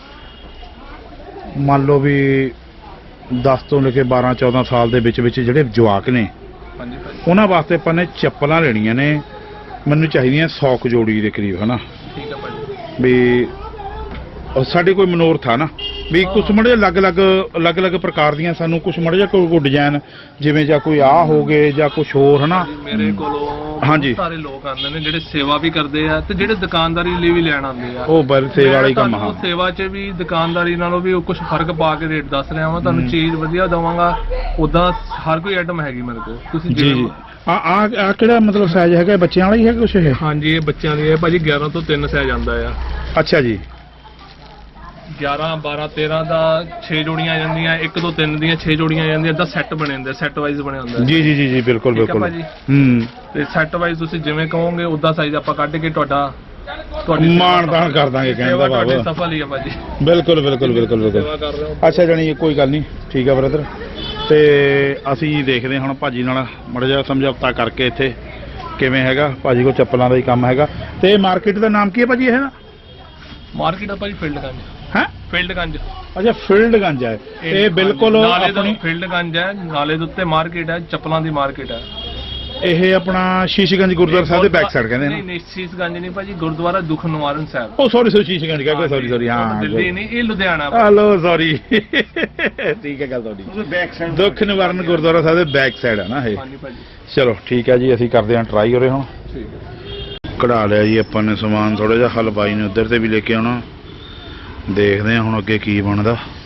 ਮੰਨ ਲਓ ਵੀ ਦਸ ਤੋਂ ਲੈ ਕੇ ਬਾਰਾਂ ਚੌਦਾਂ ਸਾਲ ਦੇ ਵਿੱਚ ਵਿੱਚ ਜਿਹੜੇ ਜਵਾਕ ਨੇ, ਉਹਨਾਂ ਵਾਸਤੇ ਆਪਾਂ ਨੇ ਚੱਪਲਾਂ ਲੈਣੀਆਂ ਨੇ। ਮੈਨੂੰ ਚਾਹੀਦੀਆਂ ਸੌ ਕੁ ਜੋੜੀ ਦੇ ਕਰੀਬ ਹੈ ਨਾ।
ਠੀਕ ਹੈ ਭਾਜੀ।
ਵੀ ਸਾਡੇ ਕੋਈ ਮਨੋਰਥ ਆ ਨਾ ਵੀ ਕੁਛ ਮੜੇ ਅਲੱਗ ਅਲੱਗ ਅਲੱਗ ਅਲੱਗ ਪ੍ਰਕਾਰ ਦੀਆਂ ਸਾਨੂੰ ਕੁਛ ਮੜੇ ਜਿਹਾ ਕੋਈ ਡਿਜ਼ਾਈਨ ਜਿਵੇਂ ਜਾਂ ਕੋਈ ਆਹ ਹੋ ਗਏ ਜਾਂ ਕੁਛ ਹੋਰ ਹੈ ਨਾ।
ਮੇਰੇ ਕੋਲੋਂ
ਹਾਂਜੀ
ਸਾਰੇ ਲੋਕ ਆਉਂਦੇ ਨੇ ਜਿਹੜੇ ਸੇਵਾ ਵੀ ਕਰਦੇ ਆ ਤੇ ਜਿਹੜੇ ਦੁਕਾਨਦਾਰੀ ਲਈ ਵੀ ਲੈਣ ਆਉਂਦੇ ਆ।
ਉਹ ਬਰ ਸੇਵਾ ਵਾਲਾ ਹੀ ਕੰਮ। ਹਾਂ
ਸੇਵਾ 'ਚ ਵੀ ਦੁਕਾਨਦਾਰੀ ਨਾਲੋਂ ਵੀ ਕੁਝ ਫਰਕ ਪਾ ਕੇ ਰੇਟ ਦੱਸ ਰਿਹਾ ਵਾਂ, ਤੁਹਾਨੂੰ ਚੀਜ਼ ਵਧੀਆ ਦਵਾਂਗਾ। ਉਦਾਂ ਹਰ ਕੋਈ ਆਈਟਮ ਹੈਗੀ ਮੇਰੇ ਕੋਲ, ਤੁਸੀਂ
ਜੀ ਜੀ। ਆ ਆ ਕਿਹੜਾ ਮਤਲਬ ਸਾਈਜ਼ ਹੈਗਾ, ਬੱਚਿਆਂ ਵਾਲਾ ਹੀ ਹੈ ਕੁਛ ਇਹ?
ਹਾਂਜੀ ਇਹ ਬੱਚਿਆਂ ਦੀ ਹੈ ਭਾਜੀ, ਗਿਆਰਾਂ ਤੋਂ ਤਿੰਨ ਸਾਈਜ਼ ਆਉਂਦਾ ਆ।
ਅੱਛਾ ਜੀ।
ਗਿਆਰਾਂ ਬਾਰਾਂ ਤੇਰਾਂ ਦਾ ਛੇ ਜੋੜੀਆਂ ਆ ਜਾਂਦੀਆਂ, ਇੱਕ ਤੋਂ ਤਿੰਨ ਦੀਆਂ ਛੇ ਜੋੜੀਆਂ ਆ ਜਾਂਦੀਆਂ। ਇਦਾਂ ਸੈੱਟ ਬਣੇ ਹੁੰਦੇ, ਸੈੱਟ ਵਾਈਜ਼ ਬਣੇ ਹੁੰਦੇ।
ਜੀ ਜੀ ਜੀ ਜੀ ਬਿਲਕੁਲ ਬਿਲਕੁਲ।
ਹੂੰ ਤੇ ਸੈੱਟ ਵਾਈਜ਼ ਤੁਸੀਂ ਜਿਵੇਂ ਕਹੋਗੇ ਉਦਾਂ ਸਾਈਜ਼ ਆਪਾਂ ਕੱਢ ਕੇ ਤੁਹਾਡਾ ਤੁਹਾਡੀ
ਮਾਨਦਾਨ ਕਰ ਦਾਂਗੇ ਕਹਿੰਦਾ ਬਾਬਾ।
ਸਫਲ ਹੀ ਆ ਭਾਜੀ।
ਬਿਲਕੁਲ ਬਿਲਕੁਲ ਬਿਲਕੁਲ ਬਿਲਕੁਲ। ਅੱਛਾ ਜਾਨੀ ਕੋਈ ਗੱਲ ਨਹੀਂ, ਠੀਕ ਆ ਬ੍ਰਦਰ। ਤੇ ਅਸੀਂ ਦੇਖਦੇ ਹੁਣ ਭਾਜੀ ਨਾਲ ਮਾੜਾ ਜਿਹਾ ਸਮਝੌਤਾ ਕਰਕੇ ਇੱਥੇ ਕਿਵੇਂ ਹੈਗਾ। ਭਾਜੀ ਕੋਲ ਚੱਪਲਾਂ ਦਾ ਹੀ ਕੰਮ ਹੈਗਾ। ਤੇ ਮਾਰਕੀਟ ਦਾ ਨਾਮ ਕੀ ਹੈ ਭਾਜੀ ਇਹ ਨਾ?
ਮਾਰਕੀਟ ਆ ਭਾਜੀ ਫੀਲਡਗੰਜ।
ਹੈ
ਫੀਲਡਗੰਜ।
ਅੱਛਾ ਫੀਲਡਗੰਜ ਹੈ ਇਹ ਬਿਲਕੁਲ
ਆਪਣੀ ਫੀਲਡਗੰਜ ਹੈ, ਨਾਲੇ ਦੇ ਉੱਤੇ ਮਾਰਕੀਟ ਹੈ, ਚੱਪਲਾਂ ਦੀ ਮਾਰਕੀਟ ਹੈ
ਇਹ। ਆਪਣਾ ਸ਼ੀਸ਼ਗੰਜ ਗੁਰਦੁਆਰਾ ਸਾਹਿਬ ਦੇ ਬੈਕ ਸਾਈਡ ਕਹਿੰਦੇ ਨੇ।
ਨਹੀਂ ਨਹੀਂ ਸ਼ੀਸ਼ਗੰਜ ਨਹੀਂ ਭਾਜੀ, ਗੁਰਦੁਆਰਾ ਦੁੱਖ ਨਿਵਾਰਨ ਸਾਹਿਬ।
ਉਹ ਸੌਰੀ ਸੌਰੀ ਸ਼ੀਸ਼ਗੰਜ ਕਹਿ ਕੇ ਸੌਰੀ ਸੌਰੀ। ਹਾਂ
ਦਿੱਲੀ ਨਹੀਂ, ਇਹ ਲੁਧਿਆਣਾ।
ਹਲੋ ਸੌਰੀ ਠੀਕ ਹੈ ਗੱਲ ਤੁਹਾਡੀ।
ਬੈਕ ਸਾਈਡ
ਦੁੱਖ ਨਿਵਾਰਨ ਗੁਰਦੁਆਰਾ ਸਾਹਿਬ ਦੇ ਬੈਕ ਸਾਈਡ ਹੈ ਨਾ ਇਹ।
ਹਾਂਜੀ ਭਾਜੀ।
ਚਲੋ ਠੀਕ ਹੈ ਜੀ, ਅਸੀਂ ਕਰਦੇ ਹਾਂ ਟਰਾਈ ਉਰੇ ਹੁਣ।
ਠੀਕ ਹੈ।
ਕਢਾ ਲਿਆ ਜੀ ਆਪਾਂ ਨੇ ਸਮਾਨ ਥੋੜਾ ਜਿਹਾ। ਹਲਵਾਈ ਨੇ ਉੱਧਰ ਤੇ ਵੀ ਲੈ ਕੇ ਆਉਣਾ, ਦੇਖਦੇ ਹਾਂ ਹੁਣ ਅੱਗੇ ਕੀ ਬਣਦਾ।